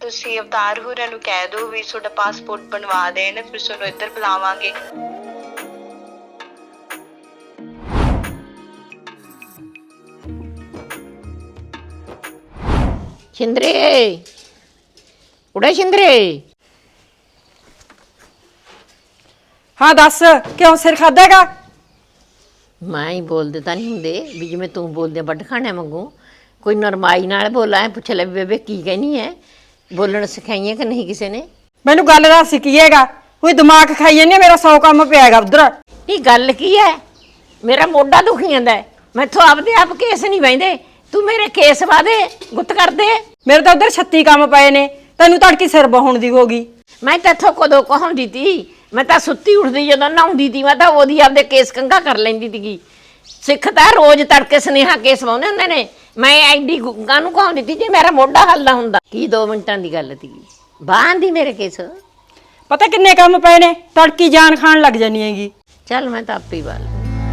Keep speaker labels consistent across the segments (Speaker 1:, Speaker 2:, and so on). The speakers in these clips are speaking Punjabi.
Speaker 1: ਤੁਸੀਂ ਅਵਤਾਰ ਹੋਰਾਂ ਨੂੰ ਕਹਿ ਦਿਓ ਵੀ ਤੁਹਾਡਾ ਪਾਸਪੋਰਟ ਬਣਵਾ ਦੇਣ, ਫਿਰ ਤੁਹਾਨੂੰ ਇੱਧਰ ਬੁਲਾਵਾਂਗੇ।
Speaker 2: ਸ਼ਿੰਦਰੇ ਉੜੇ ਸ਼ਿੰਦਰੇ।
Speaker 3: ਹਾਂ ਦੱਸ, ਕਿਉਂ ਸਿਰ ਖਾਦਾਗਾ?
Speaker 2: ਮੈਂ ਹੀ ਬੋਲਦੇ ਤਾਂ ਨਹੀਂ ਹੁੰਦੇ ਵੀ ਜਿਵੇਂ ਤੂੰ ਬੋਲਦੇ ਵੱਢ ਖਾਣੇ ਵਾਂਗੂ। ਕੋਈ ਨਰਮਾਈ ਨਾਲ ਬੋਲਾਂ, ਪੁੱਛ ਲੈ ਬੇਬੇ ਕੀ ਕਹਿਨੀ ਹੈ। ਬੋਲਣ ਸਿਖਾਈਆਂ ਕਿ ਨਹੀਂ ਕਿਸੇ ਨੇ?
Speaker 3: ਮੈਨੂੰ ਗੱਲ ਦਾ ਸਿੱਕੀਏਗਾ, ਕੋਈ ਦਿਮਾਗ ਖਾਈ ਜਾਂਦੀ, ਮੇਰਾ 100 ਕੰਮ ਪਿਆ ਹੈਗਾ ਉਧਰ।
Speaker 2: ਇਹ ਗੱਲ ਕੀ ਹੈ? ਮੇਰਾ ਮੋਢਾ ਦੁਖੀ ਜਾਂਦਾ ਹੈ, ਮੈਥੋਂ ਆਪਦੇ ਆਪ ਕੇਸ ਨਹੀਂ ਬਹਿੰਦੇ, ਤੂੰ ਮੇਰੇ ਕੇਸ ਵਾਦੇ ਗੁੱਤ ਕਰਦੇ।
Speaker 3: ਮੇਰੇ ਤਾਂ ਉਧਰ 36 ਕੰਮ ਪਏ ਨੇ, ਤੈਨੂੰ ਤੜਕੀ ਸਿਰ ਬਹਾਉਣ ਦੀ ਹੋ ਗਈ।
Speaker 2: ਮੈਂ ਤੈਥੋਂ ਕਦੋਂ ਕਹਾਉਂਦੀ ਤੀ? ਮੈਂ ਤਾਂ ਸੁੱਤੀ ਉੱਠਦੀ ਜਦੋਂ ਨਹਾਉਂਦੀ ਤੀ, ਮੈਂ ਤਾਂ ਉਹਦੀ ਆਪਦੇ ਕੇਸ ਕੰਘਾ ਕਰ ਲੈਂਦੀ ਸੀਗੀ। ਸਿੱਖ ਤਾਂ ਰੋਜ਼ ਤੜਕੇ ਸੁਨੇਹਾ ਕੇਸ ਵਾਉਂਦੇ ਹੁੰਦੇ ਨੇ, ਮੈਂ ਐਡੀ ਗੁੱਗਾ ਨੂੰ ਕਹਾਉਂਦੀ ਤੀ ਜੇ ਮੇਰਾ ਮੋਢਾ ਹੱਲਦਾ ਹੁੰਦਾ। ਕੀ 2 ਮਿੰਟਾਂ ਦੀ ਗੱਲ ਤੀ, ਬਾਂਦੀ ਮੇਰੇ ਕੇਸ।
Speaker 3: ਪਤਾ ਕਿੰਨੇ ਕੰਮ ਪਏ ਨੇ, ਤੜਕੀ ਜਾਨ ਖਾਣ ਲੱਗ ਜਾਨੀ ਹੈਗੀ।
Speaker 2: ਚੱਲ ਮੈਂ ਤਾਂ ਆਪੇ ਵਾਲ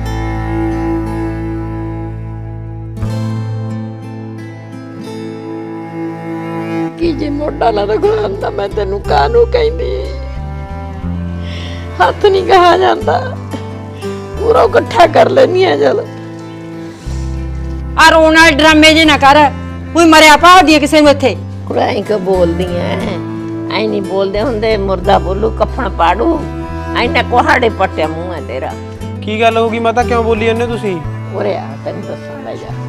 Speaker 2: ਕੀ ਜੇ ਮੋਢਾ ਨਾ ਰਖਾਂਦਾ ਮੈਂ ਤੈਨੂੰ ਕਾਹਨੂੰ ਕਹਿੰਦੀ। ਹੱਥ ਨਹੀਂ ਕਹਾ ਜਾਂਦਾ, ਪੂਰਾ ਇਕੱਠਾ ਕਰ ਲੈਨੀ ਆ। ਚੱਲ
Speaker 3: ਆ ਰੋਣ ਵਾਲੇ ਡਰਾਮੇ ਜੇ ਨਾ ਕਰ, ਕੋਈ ਮਰਿਆ ਭਾਲਦੀ ਹੈ ਕਿਸੇ ਨੂੰ ਇੱਥੇ।
Speaker 2: ਐਂ ਕਿ ਬੋਲਦੀ ਐ, ਐਂ ਨਹੀਂ ਬੋਲਦੇ ਹੁੰਦੇ। ਮੁਰਦਾ ਬੋਲੂ ਕਫਣ ਪਾੜੂ, ਐਨਾ ਕੋਹਾੜੇ ਪੱਟਿਆ ਮੂੰਹ ਹੈ ਤੇਰਾ।
Speaker 4: ਕੀ ਗੱਲ ਹੋ ਗਈ ਮਾਤਾ, ਕਿਉਂ ਬੋਲੀ ਜਾਂਦੇ ਤੁਸੀਂ?
Speaker 2: ਉਰੇ ਆ ਤੈਨੂੰ ਦੱਸਾਂ ਲੈ ਜਾ।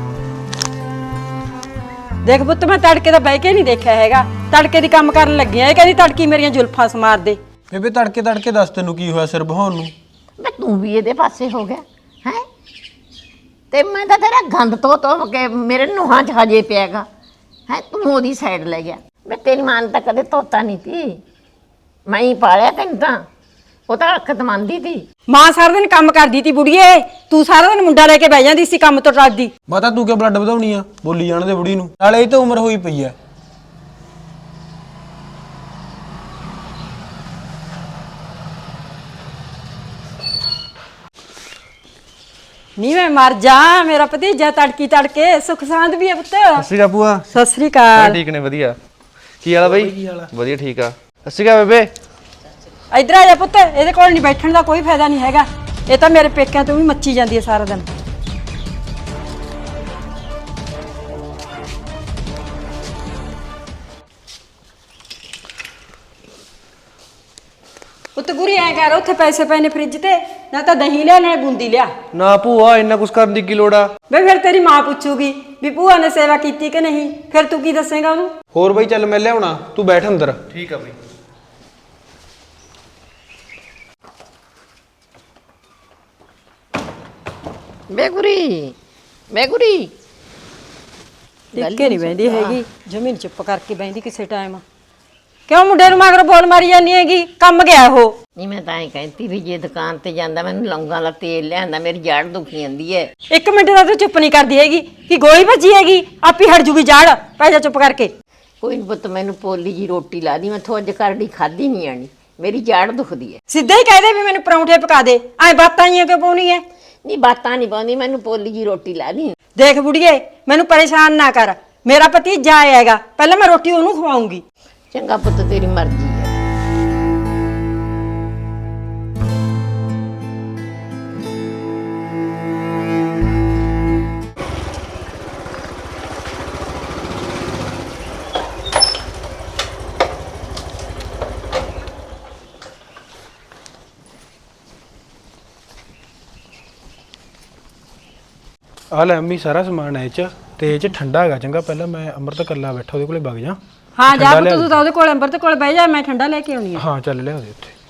Speaker 3: ਦੇਖ ਪੁੱਤ, ਮੈਂ ਤੜਕੇ ਦਾ ਬਹਿ ਕੇ ਨਹੀਂ ਦੇਖਿਆ ਹੈਗਾ, ਤੜਕੇ ਦੀ ਕੰਮ ਕਰਨ ਲੱਗੀ ਆ। ਇਹ ਕਹਿੰਦੀ ਤੜਕੀ ਮੇਰੀਆਂ ਜ਼ੁਲਫਾਂ ਸਮਾਰ ਦੇ।
Speaker 4: ਬੇਬੇ ਤੜਕੇ ਦੱਸ ਤੈਨੂੰ ਕੀ ਹੋਇਆ ਸਿਰ ਬਹਾਉਣ ਨੂੰ?
Speaker 2: ਮੈਂ ਤੂੰ ਵੀ ਇਹਦੇ ਪਾਸੇ ਹੋ ਗਿਆ ਹੈ, ਤੇ ਮੈਂ ਤਾਂ ਤੇਰਾ ਗੰਦ ਤੋਂ ਕੇ ਮੇਰੇ ਨੂੰਹਾਂ 'ਚ ਹਜੇ ਪਿਆਗਾ ਹੈ। ਤੂੰ ਉਹਦੀ ਸਾਈਡ ਲੈ ਗਿਆ। ਮੈਂ ਤੇਰੀ ਮਾਂ ਤਾਂ ਕਦੇ ਧੋਤਾ ਨਹੀਂ ਤੀ, ਮੈਂ ਹੀ ਪਾਲਿਆ ਤੈਨੂੰ ਤਾਂ। ਉਹ ਤਾਂ ਅੱਖਤ ਮੰਨਦੀ ਤੀ।
Speaker 3: ਮਾਂ ਸਾਰਾ ਦਿਨ ਕੰਮ ਕਰਦੀ ਤੀ ਬੁੜੀਏ, ਤੂੰ ਸਾਰਾ ਦਿਨ ਮੁੰਡਾ ਲੈ ਕੇ ਬਹਿ ਜਾਂਦੀ ਸੀ ਕੰਮ ਤੋਂ ਟੱਲਦੀ।
Speaker 4: ਮਾਤਾ ਤੂੰ ਕਿਉਂ ਬਲੱਡ ਵਧਾਉਣੀ ਆ? ਬੋਲੀ ਜਾਣ ਦੇ ਬੁੜੀ ਨੂੰ, ਨਾਲੇ ਇਹ ਤਾਂ ਉਮਰ ਹੋਈ ਪਈ ਐ।
Speaker 3: ਨਹੀਂ ਮੈਂ ਮਰ ਜਾ, ਮੇਰਾ ਭਤੀਜਾ ਤੜਕੀ ਤੜਕੇ ਸੁੱਖ ਸਾਂਦ ਵੀ ਹੈ ਪੁੱਤ।
Speaker 5: ਸਤਿ ਸ਼੍ਰੀ ਅਕਾਲ ਭੂਆ।
Speaker 3: ਸਤਿ ਸ੍ਰੀ ਅਕਾਲ।
Speaker 5: ਠੀਕ ਨੇ, ਵਧੀਆ। ਕੀ ਹਾਲ ਆ ਬਾਈ? ਵਧੀਆ, ਠੀਕ ਆ। ਸਤਿ ਸ਼੍ਰੀ ਅਕਾਲ ਬੇਬੇ।
Speaker 3: ਇੱਧਰ ਆ ਜਾ ਪੁੱਤ, ਇਹਦੇ ਕੋਲ ਨਹੀਂ ਬੈਠਣ ਦਾ ਕੋਈ ਫਾਇਦਾ ਨਹੀਂ ਹੈਗਾ। ਇਹ ਤਾਂ ਮੇਰੇ ਪੇਕਿਆਂ ਤੋਂ ਵੀ ਮੱਚੀ ਜਾਂਦੀ ਹੈ ਸਾਰਾ ਦਿਨ। ਪੁੱਤ ਗੁਰੀ ਐ ਕਰ, ਉੱਥੇ ਪੈਸੇ ਪਏ ਨੇ ਫ੍ਰਿਜ ਤੇ, ਨਾ ਤਾਂ ਦਹੀਂ ਲਿਆ ਨਾ ਬੂੰਦੀ ਲਿਆ।
Speaker 5: ਨਾ ਭੂਆ, ਇੰਨਾ ਕੁਛ ਕਰਨ ਦੀ ਕੀ ਲੋੜ ਆ?
Speaker 3: ਵੇ ਫਿਰ ਤੇਰੀ ਮਾਂ ਪੁੱਛੂਗੀ ਵੀ ਭੂਆ ਨੇ ਸੇਵਾ ਕੀਤੀ ਕਿ ਨਹੀਂ, ਫਿਰ ਤੂੰ ਕੀ ਦੱਸੇਗਾ ਉਹਨੂੰ?
Speaker 4: ਹੋਰ ਬਾਈ ਚੱਲ ਮੈਂ ਲਿਆਉਣਾ, ਤੂੰ ਬੈਠ ਅੰਦਰ।
Speaker 5: ਠੀਕ ਆ ਬਾਈ।
Speaker 2: ਬੇਗੁਰੀ
Speaker 3: ਟਿੱਕੇ ਨਹੀਂ ਬਹਿੰਦੀ ਹੈਗੀ, ਜ਼ਮੀਨ ਚੁੱਪ ਕਰਕੇ ਬਹਿੰਦੀ ਕਿਸੇ ਟਾਈਮ। ਕਿਉਂ ਮੁੰਡੇ ਨੂੰ ਮਗਰ ਬੋਲ ਮਾਰੀ ਜਾਂਦੀ ਹੈਗੀ? ਕੰਮ ਗਿਆ ਉਹ।
Speaker 2: ਨਹੀਂ ਮੈਂ ਤਾਂ ਐਂ ਕਹਿੰਦੀ ਵੀ ਜੇ ਦੁਕਾਨ ਤੇ ਜਾਂਦਾ ਮੈਨੂੰ ਲੌਂਗਾਂ ਦਾ ਤੇਲ ਲਿਆਂਦਾ, ਮੇਰੀ ਜੜ ਦੁਖੀ ਜਾਂਦੀ ਹੈ।
Speaker 3: 1 ਮਿੰਟ ਦਾ ਤੂੰ ਚੁੱਪ ਨਹੀਂ ਕਰਦੀ ਹੈਗੀ ਕਿ ਗੋਲੀ ਵੱਜੀ ਹੈਗੀ, ਆਪੀ ਹਟ ਜੂਗੀ ਜੜ। ਪੈ ਜਾ ਚੁੱਪ ਕਰਕੇ।
Speaker 2: ਕੋਈ ਨੀ ਪੁੱਤ, ਮੈਨੂੰ ਪੋਲੀ ਜੀ ਰੋਟੀ ਲਾ ਦੀ, ਮੈਥੋਂ ਅੱਜ ਕਰੜੀ ਖਾਧੀ ਨਹੀਂ ਆਣੀ, ਮੇਰੀ ਜੜ ਦੁਖਦੀ ਹੈ।
Speaker 3: ਸਿੱਧਾ ਹੀ ਕਹਿ ਦੇ ਵੀ ਮੈਨੂੰ ਪਰੌਂਠੇ ਪਕਾ ਦੇ, ਐ ਬਾਤਾਂ ਹੀ ਕਿਉਂ ਪਾਉਣੀ ਹੈ?
Speaker 2: ਨਹੀਂ ਬਾਤਾਂ ਨਹੀਂ ਪਾਉਂਦੀ, ਮੈਨੂੰ ਪੋਲੀ ਜੀ ਰੋਟੀ ਲਾ ਦੀ।
Speaker 3: ਦੇਖ ਬੁੜੀਏ, ਮੈਨੂੰ ਪਰੇਸ਼ਾਨ ਨਾ ਕਰ, ਮੇਰਾ ਭਤੀਜਾ ਆਏਗਾ, ਪਹਿਲਾਂ ਮੈਂ ਰੋਟੀ ਉਹਨੂੰ ਖਵਾਉਂਗੀ।
Speaker 2: ਚੰਗਾ ਪੁੱਤ, ਤੇਰੀ ਮਰਜ਼ੀ ਹੈ।
Speaker 4: ਆ ਲੈ ਅੰਮੀ, ਸਾਰਾ ਸਮਾਨ ਐ ਚ, ਤੇ ਇਹ ਚ ਠੰਡਾ ਹੈਗਾ। ਚੰਗਾ ਪਹਿਲਾਂ ਮੈਂ ਅੰਮ੍ਰਿਤ ਕੱਲਾ ਬੈਠਾ ਉਹਦੇ ਕੋਲੇ ਵਗ ਜਾ।
Speaker 3: ਹਾਂ ਜਾ ਪੁੱਤ, ਤੂੰ ਤਾਂ ਉਹਦੇ ਕੋਲ ਅੰਬਰ ਤੇ ਕੋਲ ਬਹਿ ਜਾ, ਮੈਂ ਠੰਡਾ ਲੈ ਕੇ ਆਉਣੀ ਆ।
Speaker 4: ਹਾਂ ਚੱਲ ਲਿਆ ਦੇ ਉੱਥੇ।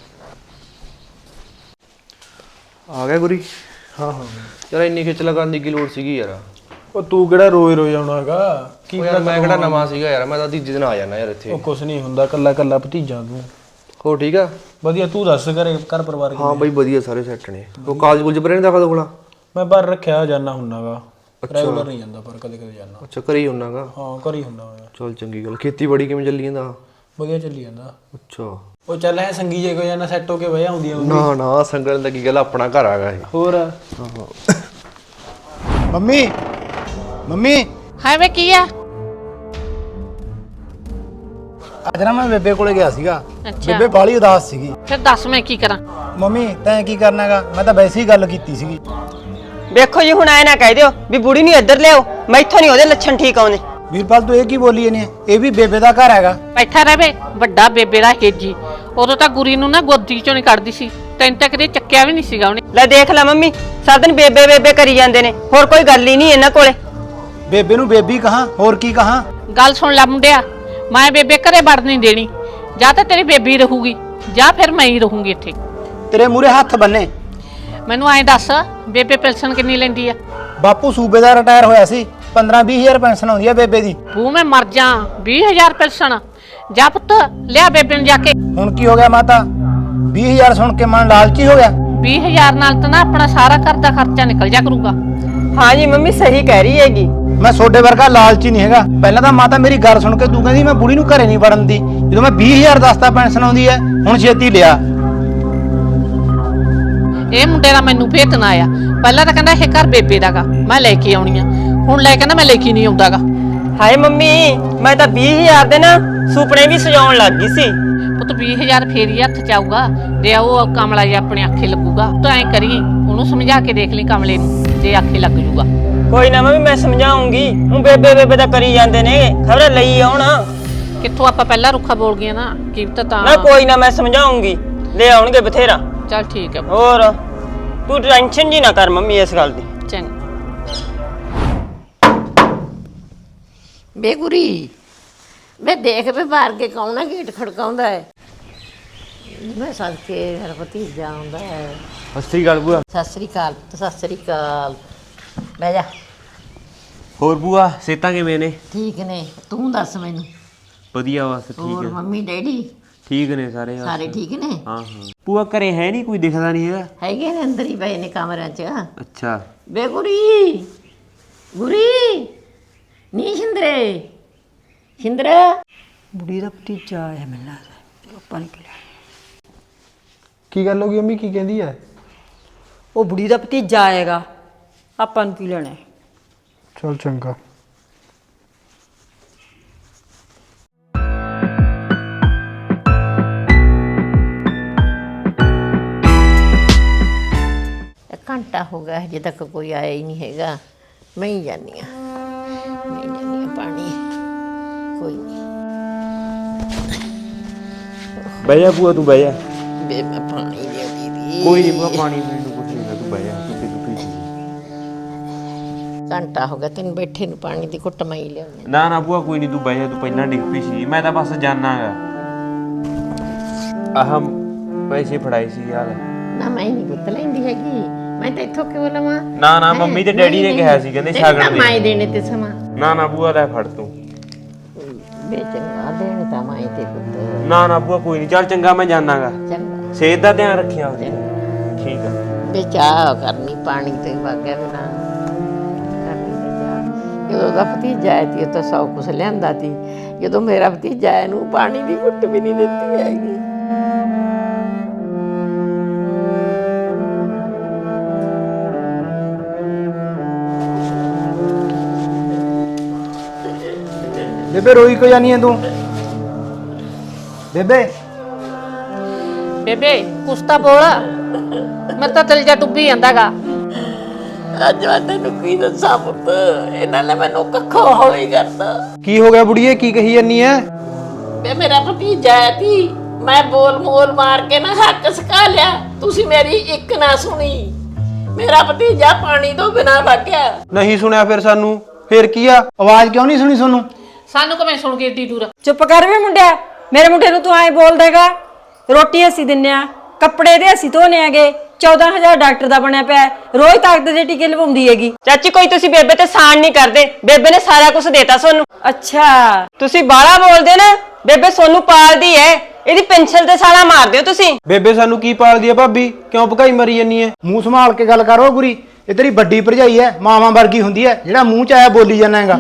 Speaker 5: ਆ ਗਿਆ ਗੁਰੀ?
Speaker 4: ਹਾਂ ਹਾਂ
Speaker 5: ਯਾਰ ਇੰਨੀ ਖਿੱਚਲਾ ਕਰਨ ਦੀ ਕੀ ਲੋੜ ਸੀਗੀ ਯਾਰ?
Speaker 4: ਉਹ ਤੂੰ ਕਿਹੜਾ ਰੋਜ਼ ਆਉਣਾ ਹੈਗਾ? ਕੀ
Speaker 5: ਯਾਰ ਮੈਂ ਕਿਹੜਾ ਨਵਾਂ ਸੀਗਾ ਯਾਰ, ਮੈਂ ਤਾਂ ਤੀਜੇ ਦਿਨ ਆ ਜਾਣਾ ਯਾਰ ਇੱਥੇ।
Speaker 4: ਉਹ ਕੁਛ ਨਹੀਂ ਹੁੰਦਾ, ਕੱਲਾ ਭਤੀਜਾ ਤੂੰ।
Speaker 5: ਹੋ ਠੀਕ ਆ?
Speaker 4: ਵਧੀਆ, ਤੂੰ ਦੱਸ ਘਰ ਪਰਿਵਾਰ
Speaker 5: ਹਾਂ ਬਾਈ ਵਧੀਆ, ਸਾਰੇ ਸੈੱਟ ਨੇ। ਉਹ ਕਾਲਜ ਕੁਲਜ ਪਰੇ ਨਹੀਂ ਦਾਖਲ ਹੋਣਾ?
Speaker 4: ਮੈਂ ਬਾਹਰ ਰੱਖਿਆ ਜਾਣਾ ਹੁੰਨਾਗਾ, ਰੈਗੂਲਰ ਨਹੀਂ ਜਾਂਦਾ ਪਰ ਕਦੇ ਜਾਣਾ।
Speaker 5: ਅੱਛਾ, ਘਰੇ ਹੀ ਹੁੰਨਾਗਾ?
Speaker 4: ਹਾਂ ਘਰ ਹੀ ਹੁੰਦਾ ਹੋਇਆ।
Speaker 5: ਚਲ ਚੰਗੀ ਗੱਲ। ਖੇਤੀਬਾੜੀ ਕਿਵੇਂ ਚੱਲੀ ਜਾਂਦਾ?
Speaker 4: ਵਧੀਆ ਚੱਲੀ ਜਾਂਦਾ।
Speaker 5: ਅੱਛਾ,
Speaker 4: ਉਹ ਚੱਲ ਐ ਸੰਗੀ ਜੇ ਕੋ ਜਾਣਾ ਸੈੱਟ ਹੋ ਕੇ ਵਜਾ ਹੁੰਦੀ ਆ।
Speaker 5: ਨਾ ਨਾ ਸੰਗਲ ਦਾ ਕੀ ਗੱਲ, ਆਪਣਾ ਘਰ ਆਗਾ ਇਹ।
Speaker 4: ਹੋਰ
Speaker 6: ਮੰਮੀ
Speaker 2: ਹਾਂ ਵੇ ਕੀ ਆ?
Speaker 6: ਅੱਜ ਨਾ ਮੈਂ ਬੇਬੇ ਕੋਲੇ ਗਿਆ ਸੀਗਾ।
Speaker 7: ਅੱਛਾ।
Speaker 6: ਬੇਬੇ ਬਾਲੀ ਉਦਾਸ ਸੀਗੀ।
Speaker 7: ਫਿਰ ਦੱਸ ਮੈਂ ਕੀ ਕਰਾਂ?
Speaker 6: ਮੰਮੀ ਤੈਂ ਕੀ ਕਰਨਾਗਾ? ਮੈਂ ਤਾਂ ਵੈਸੇ ਹੀ ਗੱਲ ਕੀਤੀ ਸੀਗੀ।
Speaker 3: ਵੇਖੋ ਜੀ ਹੁਣ ਐ ਨਾ ਕਹਿ ਦਿਓ ਵੀ ਬੁੜੀ ਨੂੰ ਇੱਧਰ ਲਿਆਓ, ਮੈਥੋਂ ਨਹੀਂ ਉਹਦੇ ਲੱਛਣ ਠੀਕ ਆਉਂਦੇ।
Speaker 6: ਵੀਰਪਾਲ ਤੂੰ ਇਹ ਕੀ ਬੋਲੀ ਇਹਨੇ? ਇਹ ਵੀ ਬੇਬੇ ਦਾ ਘਰ ਹੈਗਾ।
Speaker 7: ਬੈਠਾ ਰਹੇ ਵੱਡਾ ਬੇਬੇ ਦਾ ਹੇਜੀ। ਉਦੋਂ ਤਾਂ ਗੁਰੀ ਨੂੰ ਨਾ ਗੋਦੀ ਚੋਂ ਨਹੀਂ ਕੱਢਦੀ ਸੀ, ਤੈਨੂੰ ਤਾਂ ਕਦੇ ਚੱਕਿਆ ਵੀ ਨਹੀਂ ਸੀਗਾ ਉਹਨੇ।
Speaker 3: ਲੈ ਦੇਖ ਲੈ ਮੰਮੀ, ਸਾਰਾ ਦਿਨ ਬੇਬੇ ਬੇਬੇ ਕਰੀ ਜਾਂਦੇ ਨੇ, ਹੋਰ ਕੋਈ ਗੱਲ ਹੀ ਨਹੀਂ ਇਹਨਾਂ ਕੋਲੇ।
Speaker 6: ਬੇਬੇ ਨੂੰ ਬੇਬੀ ਕਹਾਂ, ਹੋਰ ਕੀ ਕਹਾਂ?
Speaker 7: ਗੱਲ ਸੁਣ ਲੈ ਮੁੰਡਿਆ, ਮੈਂ ਬੇਬੇ ਘਰੇ ਵੜ ਨਹੀਂ ਦੇਣੀ। ਜਾਂ ਤਾਂ ਤੇਰੀ ਬੇਬੀ ਰਹੂਗੀ ਜਾਂ ਫਿਰ ਮੈਂ ਹੀ ਰਹੂੰਗੀ ਇੱਥੇ।
Speaker 6: ਤੇਰੇ ਮੂਰੇ ਹੱਥ ਬੰਨੇ।
Speaker 7: ਮੈਨੂੰ ਐਂ ਦੱਸ, ਬੇਬੇ ਪੈਨਸ਼ਨ ਕਿੰਨੀ ਲੈਂਦੀ ਆ?
Speaker 6: ਬਾਪੂ ਸੂਬੇ ਦਾ ਰਿਟਾਇਰ ਹੋਇਆ ਸੀ, 15-20 ਹਜ਼ਾਰ ਪੈਨਸ਼ਨ ਆਉਂਦੀ ਆ ਬੇਬੇ ਦੀ।
Speaker 7: ਬੂ ਮੈਂ ਮਰ ਜਾ, 20,000 ਪੈਨਸ਼ਨ? ਜਾ ਪੁੱਤ ਲਿਆ ਬੇਬੇ ਨੂੰ ਜਾ ਕੇ।
Speaker 6: ਹੁਣ ਕੀ ਹੋ ਗਿਆ ਮਾਤਾ? 20,000 ਸੁਣ ਕੇ ਮਨ ਲਾਲਚੀ ਹੋ ਗਿਆ।
Speaker 7: 20,000 ਨਾਲ ਤਾਂ ਨਾ ਆਪਣਾ ਸਾਰਾ ਘਰ ਦਾ ਖਰਚਾ ਨਿਕਲ ਜਾ ਕਰੂਗਾ।
Speaker 3: ਹਾਂ ਜੀ ਮੰਮੀ ਸਹੀ ਕਹਿ ਰਹੀ ਹੈਗੀ।
Speaker 6: ਮੈਂ ਤੁਹਾਡੇ ਵਰਗਾ ਲਾਲਚੀ ਨਹੀਂ ਹੈਗਾ। ਪਹਿਲਾਂ ਤਾਂ ਮਾਤਾ ਮੇਰੀ ਗੱਲ ਸੁਣ ਕੇ ਤੂੰ ਕਹਿੰਦੀ ਮੈਂ ਬੁੜੀ ਨੂੰ ਘਰੇ ਨਹੀਂ ਵੜਨ ਦੀ, ਜਦੋਂ ਮੈਂ 20,000 ਦੱਸਤਾ ਪੈਨਸ਼ਨ ਆਉਂਦੀ ਹੈ, ਹੁਣ ਛੇਤੀ ਲਿਆ।
Speaker 7: ਇਹ ਮੁੰਡੇ ਦਾ ਮੈਨੂੰ ਭੇਤ ਨਾ ਆਇਆ। ਪਹਿਲਾਂ ਤਾਂ ਕਹਿੰਦਾ ਇਹ ਘਰ ਬੇਬੇ ਦਾਗਾ, ਮੈਂ ਲੈ ਕੇ ਆਉਣੀ ਆ। ਹੁਣ ਲੈ ਕਹਿੰਦਾ ਮੈਂ ਲੈ ਕੇ ਨਹੀਂ ਆਉਂਦਾਗਾ।
Speaker 3: ਹਾਏ ਮੰਮੀ, ਮੈਂ ਤਾਂ 20,000 ਦੇ ਨਾ ਸੁਪਨੇ ਵੀ ਸਜਾਉਣ ਲੱਗ ਗਈ ਸੀ।
Speaker 7: ਪੁੱਤ 20,000 ਫੇਰ ਹੀ ਹੱਥ ਚ ਆਊਗਾ, ਜੇ ਉਹ ਕਮਲਾ ਜੀ ਆਪਣੇ ਆਖੇ ਲੱਗੂਗਾ। ਤੂੰ ਐਂ ਕਰੀ, ਉਹਨੂੰ ਸਮਝਾ ਕੇ ਦੇਖ ਲਈ ਕਮਲੇ ਨੂੰ, ਜੇ ਆਖੇ ਲੱਗ ਜੂਗਾ।
Speaker 3: ਕੋਈ ਨਾ ਮੰਮੀ ਮੈਂ ਸਮਝਾਉਂਗੀ। ਉਹ ਬੇਬੇ ਬੇਬੇ ਤਾਂ ਕਰੀ ਜਾਂਦੇ ਨੇ, ਖਬਰ ਲਈ ਆਉਣ।
Speaker 7: ਕਿੱਥੋਂ ਆਪਾਂ ਪਹਿਲਾਂ ਰੁੱਖਾ ਬੋਲ ਗਏ ਨਾ, ਕੀ ਤਾਂ
Speaker 3: ਨਾ ਕੋਈ ਨਾ ਮੈਂ ਸਮਝਾਉਂਗੀ, ਲੈ ਆਉਣਗੇ ਬਥੇਰਾ।
Speaker 7: ਚੱਲ ਠੀਕ ਹੈ।
Speaker 3: ਹੋਰ ਤੂੰ ਟੈਨਸ਼ਨ ਜੀ ਨਾ ਕਰ ਮੰਮੀ ਇਸ ਗੱਲ ਦੀ।
Speaker 7: ਚੰਗਾ।
Speaker 2: ਬੇਗੁਰੀ ਮੈਂ ਦੇਖ ਵੀ ਬਾਹਰ ਕੇ ਕੌਣ ਹੈ ਗੇਟ ਖੜਕਾਉਂਦਾ ਹੈ। ਮੈਂ ਸਦਕੇ ਮੇਰਾ ਭਤੀਜਾ ਆਉਂਦਾ ਹੈ।
Speaker 5: ਸਤਿ ਸ੍ਰੀ ਅਕਾਲ ਬੂਆ।
Speaker 2: ਸਤਿ ਸ੍ਰੀ ਅਕਾਲ। ਸਤਿ ਸ੍ਰੀ ਅਕਾਲ। ਬਹਿ ਜਾ।
Speaker 5: ਹੋਰ ਬੂਆ ਸਿਹਤਾਂ ਕਿਵੇਂ ਨੇ?
Speaker 2: ਠੀਕ ਨੇ, ਤੂੰ ਦੱਸ ਮੈਨੂੰ।
Speaker 5: ਵਧੀਆ ਬਸ ਠੀਕ
Speaker 2: ਹੋਰ
Speaker 5: ਹੈ।
Speaker 2: ਮੰਮੀ ਡੈਡੀ
Speaker 5: ਠੀਕ ਨੇ ਸਾਰੇ ਬਸ।
Speaker 2: ਸਾਰੇ ਠੀਕ ਨੇ?
Speaker 5: ਹਾਂ ਹਾਂ। ਬੂਆ ਘਰੇ ਹੈ ਨਹੀਂ, ਕੋਈ ਦਿਖਦਾ ਨਹੀਂ ਹੈਗਾ।
Speaker 2: ਹੈਗੇ ਨੇ, ਅੰਦਰ ਹੀ ਪਏ ਨੇ ਕਮਰਿਆਂ 'ਚ।
Speaker 5: ਅੱਛਾ।
Speaker 2: ਬੇਗੁਰੀ ਗੁਰੀ ਨੀ ਸ਼ਿੰਦਰੇ ਸ਼ਿੰਦਰੇ।
Speaker 3: ਬੁੜੀ ਦਾ ਭਤੀਜਾ ਆਇਆ ਮੈਨੂੰ ਲੱਗਦਾ, ਆਪਾਂ ਨਿਕਲਿਆ।
Speaker 4: ਕੀ ਗੱਲ ਹੋ ਗਈ ਮੰਮੀ, ਕੀ ਕਹਿੰਦੀ ਹੈ?
Speaker 3: ਉਹ ਬੁੜੀ ਦਾ ਭਤੀਜਾ ਆਏਗਾ, ਆਪਾਂ ਨੂੰ ਕੀ ਲੈਣਾ?
Speaker 4: ਚਲ ਚੰਗਾ।
Speaker 2: ਘੰਟਾ ਹੋ ਗਿਆ ਹਜੇ ਤੱਕ ਕੋਈ ਆਇਆ ਹੀ ਨਹੀਂ ਹੈਗਾ। ਮੈਂ ਹੀ ਜਾਂਦੀ ਹਾਂ, ਪਾਣੀ ਕੋਈ ਨਹੀਂ।
Speaker 5: ਬਹਿ ਜਾ ਬੂਆ, ਤੂੰ ਬਹਿ ਜਾ।
Speaker 2: ਬੇ ਮੈਂ ਪਾਣੀ ਦੇ ਦੀਦੀ।
Speaker 5: ਕੋਈ ਨਹੀਂ ਬੂਆ, ਪਾਣੀ ਪੀਣ ਨੂੰ ਕੁਝ ਨਹੀਂ, ਤੂੰ ਬਹਿ ਜਾ। ਤੂੰ
Speaker 2: ਘੰਟਾ ਹੋ ਗਿਆ ਤੈਨੂੰ ਬੈਠੇ ਨੂੰ, ਪਾਣੀ ਦੀ ਘੁੱਟ ਮੈਂ ਹੀ ਲਿਆਉਂਦੀ।
Speaker 5: ਨਾ ਨਾ ਬੂਆ ਕੋਈ ਨਹੀਂ, ਤੂੰ ਬਹਿ ਜਾ। ਤੂੰ ਪਹਿਲਾਂ ਡਿੱਗ ਪਈ ਸੀ, ਮੈਂ ਤਾਂ ਬਸ ਜਾਣਾਗਾ। ਆਹ ਪੈਸੇ ਫੜਾਏ ਸੀ ਯਾਰ।
Speaker 2: ਨਾ ਮੈਂ ਨਹੀਂ ਗੁੱਤ ਲੈਂਦੀ ਹੈਗੀ, ਮੈਂ ਤਾਂ ਇੱਥੋਂ ਕਿਉਂ ਲਵਾਂ?
Speaker 5: ਨਾ ਨਾ ਮੰਮੀ ਤੇ ਡੈਡੀ ਨੇ ਕਿਹਾ ਸੀ, ਕਹਿੰਦੇ ਛਾਗਣ ਦੇ।
Speaker 2: ਮੈਂ ਦੇਣੇ ਤੇ ਸਮਾਂ।
Speaker 5: ਨਾ ਨਾ ਬੂਆ ਲੈ ਫੜ ਤੂੰ।
Speaker 2: ਬੇ ਚੰਗਾ ਦੇਣੇ ਤਾਂ ਮੈਂ ਤੇ ਪੁੱਤ।
Speaker 5: ਨਾ ਨਾ ਬੂਆ ਕੋਈ ਨਹੀਂ, ਚੱਲ ਚੰਗਾ ਮੈਂ ਜਾਣਾਗਾ।
Speaker 2: ਚੰਗਾ
Speaker 5: ਸਿਹਤ ਦਾ ਧਿਆਨ ਰੱਖਿਆ ਉਹਦੀ। ਠੀਕ ਆ।
Speaker 2: ਬੇ ਚਾਹ ਕਰਨੀ, ਪਾਣੀ ਤੇ ਵਾਗਿਆ ਬਿਨਾ ਕਰਨੀ ਤੇ ਚਾਹ। ਜਦੋਂ ਦਾ ਭਤੀਜਾ ਆਇਆ ਤੀ ਉਹ ਤਾਂ ਸੌ ਕੁਛ ਲਿਆਂਦਾ ਤੀ। ਜਦੋਂ ਮੇਰਾ ਭਤੀਜਾ ਆਇਆ ਨੂੰ ਪਾਣੀ ਦੀ ਘੁੱਟ ਵੀ ਨਹੀਂ ਦਿੱਤੀ ਹੈਗੀ।
Speaker 6: ਬੇਬੇ ਰੋਈ ਕਿਉਂ ਜਾਨੀ ਹੈ ਤੂੰ? ਬੇਬੇ
Speaker 7: ਬੇਬੇ ਕੁਛ ਤਾਂ ਬੋਲ, ਮੈਂ ਤਾਂ ਦਿਲ ਜਾ ਡੁੱਬੀ ਜਾਂਦਾਗਾ।
Speaker 2: ਅੱਜ ਮੈਂ ਤੈਨੂੰ ਕੀ ਦੱਸਾਂ ਪੁੱਤ, ਇਹਨਾਂ ਨੇ ਮੈਨੂੰ ਕੱਖੋਂ ਹੌਲੀ ਕਰਤਾ।
Speaker 6: ਕੀ ਹੋ ਗਿਆ ਬੁੜੀਏ, ਕੀ ਕਹੀ ਜਾਨੀ ਹੈ?
Speaker 2: ਵੇ ਮੇਰਾ ਭਤੀਜਾ ਆਇਆ ਤੀ, ਮੈਂ ਬੋਲ ਮੋਲ ਮਾਰ ਕੇ ਨਾ ਹੱਕ ਸਕਾ ਲਿਆ, ਤੁਸੀਂ ਮੇਰੀ ਇੱਕ ਨਾ ਸੁਣੀ। ਮੇਰਾ ਭਤੀਜਾ ਪਾਣੀ ਤੋਂ ਬਿਨਾਂ ਵਗਿਆ।
Speaker 6: ਨਹੀਂ ਸੁਣਿਆ ਫਿਰ ਸਾਨੂੰ? ਫਿਰ ਕੀ ਆ, ਆਵਾਜ਼ ਕਿਉਂ ਨਹੀਂ ਸੁਣੀ ਤੁਹਾਨੂੰ?
Speaker 7: ਸਾਨੂੰ ਕਿਵੇਂ ਸੁਣ ਕੇ ਏਡੀ ਦੂਰ?
Speaker 3: ਚੁੱਪ ਕਰ ਵੇ ਮੁੰਡਿਆ, ਮੇਰੇ ਮੁੰਡੇ ਨੂੰ ਤੂੰ ਐਂ ਬੋਲ ਦੇਗਾ? ਰੋਟੀ ਅਸੀਂ ਦਿੰਨੇ ਆ, ਕੱਪੜੇ ਦੇ ਅਸੀਂ ਧੋਨੇ ਆਗੇ, 14,000 ਡਾਕਟਰ ਦਾ ਬਣਿਆ ਪਿਆ, ਰੋਜ਼ ਤਾਕਤ ਦੇ ਟੀਕੇ ਲਵਾਉਂਦੀ ਹੈਗੀ।
Speaker 8: ਚਾਚੀ ਕੋਈ ਤੁਸੀਂ ਬੇਬੇ ਤੇ ਸਾਨ ਨਹੀਂ ਕਰਦੇ, ਬੇਬੇ ਨੇ ਸਾਰਾ ਕੁਝ ਦੇਤਾ ਸੋਨੂੰ।
Speaker 3: ਅੱਛਾ
Speaker 8: ਤੁਸੀਂ ਬਾਹਲਾ ਬੋਲਦੇ ਨਾ, ਬੇਬੇ ਸੋਨੂੰ ਪਾਲਦੀ ਐ, ਇਹਦੀ ਪੈਨਸ਼ਨ ਤੇ ਸਾਲਾ ਮਾਰਦੇ ਹੋ ਤੁਸੀਂ।
Speaker 6: ਬੇਬੇ ਸਾਨੂੰ ਕੀ ਪਾਲਦੀ ਆ ਭਾਬੀ, ਕਿਉਂ ਭਕਾਈ ਮਰੀ ਜਾਨੀ ਹੈ? ਮੂੰਹ ਸੰਭਾਲ ਕੇ ਗੱਲ ਕਰੋ ਗੁਰੀ, ਇਹ ਤੇਰੀ ਵੱਡੀ ਭਰਜਾਈ ਹੈ, ਮਾਵਾਂ ਵਰਗੀ ਹੁੰਦੀ ਹੈ, ਜਿਹੜਾ ਮੂੰਹ ਚ ਆਇਆ ਬੋਲੀ ਜਾਨਾ ਹੈਗਾ।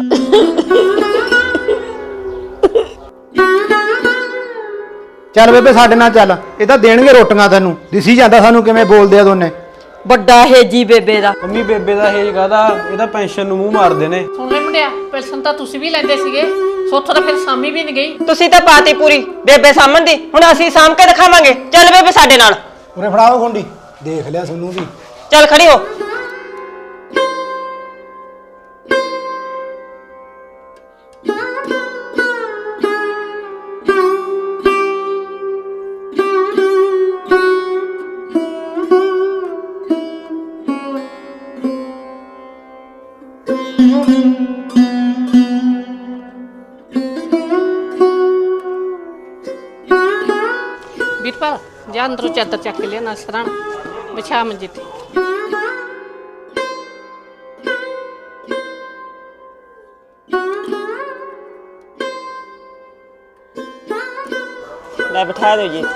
Speaker 6: ਚੱਲ ਬੇਬੇ ਸਾਡੇ ਨਾਲ ਚੱਲ, ਇਹ ਤਾਂ ਦੇਣਗੇ ਰੋਟੀਆਂ ਤੈਨੂੰ, ਦਿਸੀ ਜਾਂਦਾ ਸਾਨੂੰ ਕਿਵੇਂ ਬੋਲਦੇ ਆ ਦੋਨੇ।
Speaker 3: ਵੱਡਾ ਹੇਜੀ ਬੇਬੇ ਦਾ।
Speaker 6: ਮੰਮੀ ਬੇਬੇ ਦਾ ਹੇਜ ਕਾਹਦਾ, ਇਹ ਤਾਂ ਪੈਨਸ਼ਨ ਨੂੰ ਮੂੰਹ ਮਾਰਦੇ ਨੇ।
Speaker 7: ਸੁਣ ਲੈ ਮੁੰਡਿਆ, ਪੈਨਸ਼ਨ ਤਾਂ ਤੁਸੀਂ ਵੀ ਲੈਂਦੇ ਸੀਗੇ, ਸੋਥੋਂ ਤਾਂ ਫਿਰ ਸਾਮੀ ਵੀ ਨਹੀਂ ਗਈ।
Speaker 8: ਤੁਸੀਂ ਤਾਂ ਪਾਤੀ ਪੂਰੀ ਬੇਬੇ ਸਾਹਮਣ ਦੀ, ਹੁਣ ਅਸੀਂ ਸਾਂਭ ਕੇ ਦਿਖਾਵਾਂਗੇ। ਚੱਲ ਬੇਬੇ ਸਾਡੇ ਨਾਲ,
Speaker 6: ਉਰੇ ਫੜਾਓ ਖੁੰਡੀ, ਦੇਖ ਲਿਆ ਸੋਨੂੰ ਵੀ।
Speaker 8: ਚੱਲ ਖੜੀ ਹੋ।
Speaker 7: ਵੀਰਪਾਲ ਜਾ ਅੰਦਰੋਂ ਚਾਦਰ ਚੱਕ ਕੇ ਲਿਆ ਨਾ ਸਰਾਣਾ ਵਿਛਾ ਮੰਜੇ ਤੇ।
Speaker 8: ਲੈ ਬਿਠਾ ਦਿਓ ਜੀ।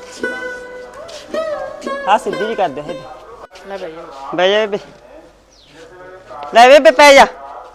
Speaker 8: ਹਾਂ ਸਿੱਧੀ ਜੀ ਕਰ ਦਿਓ।
Speaker 7: ਲੈ ਬਈ
Speaker 8: ਬਹਿ ਜਾ ਬੇਬੇ। ਲੈ ਬੇਬੇ ਪੈ ਜਾ।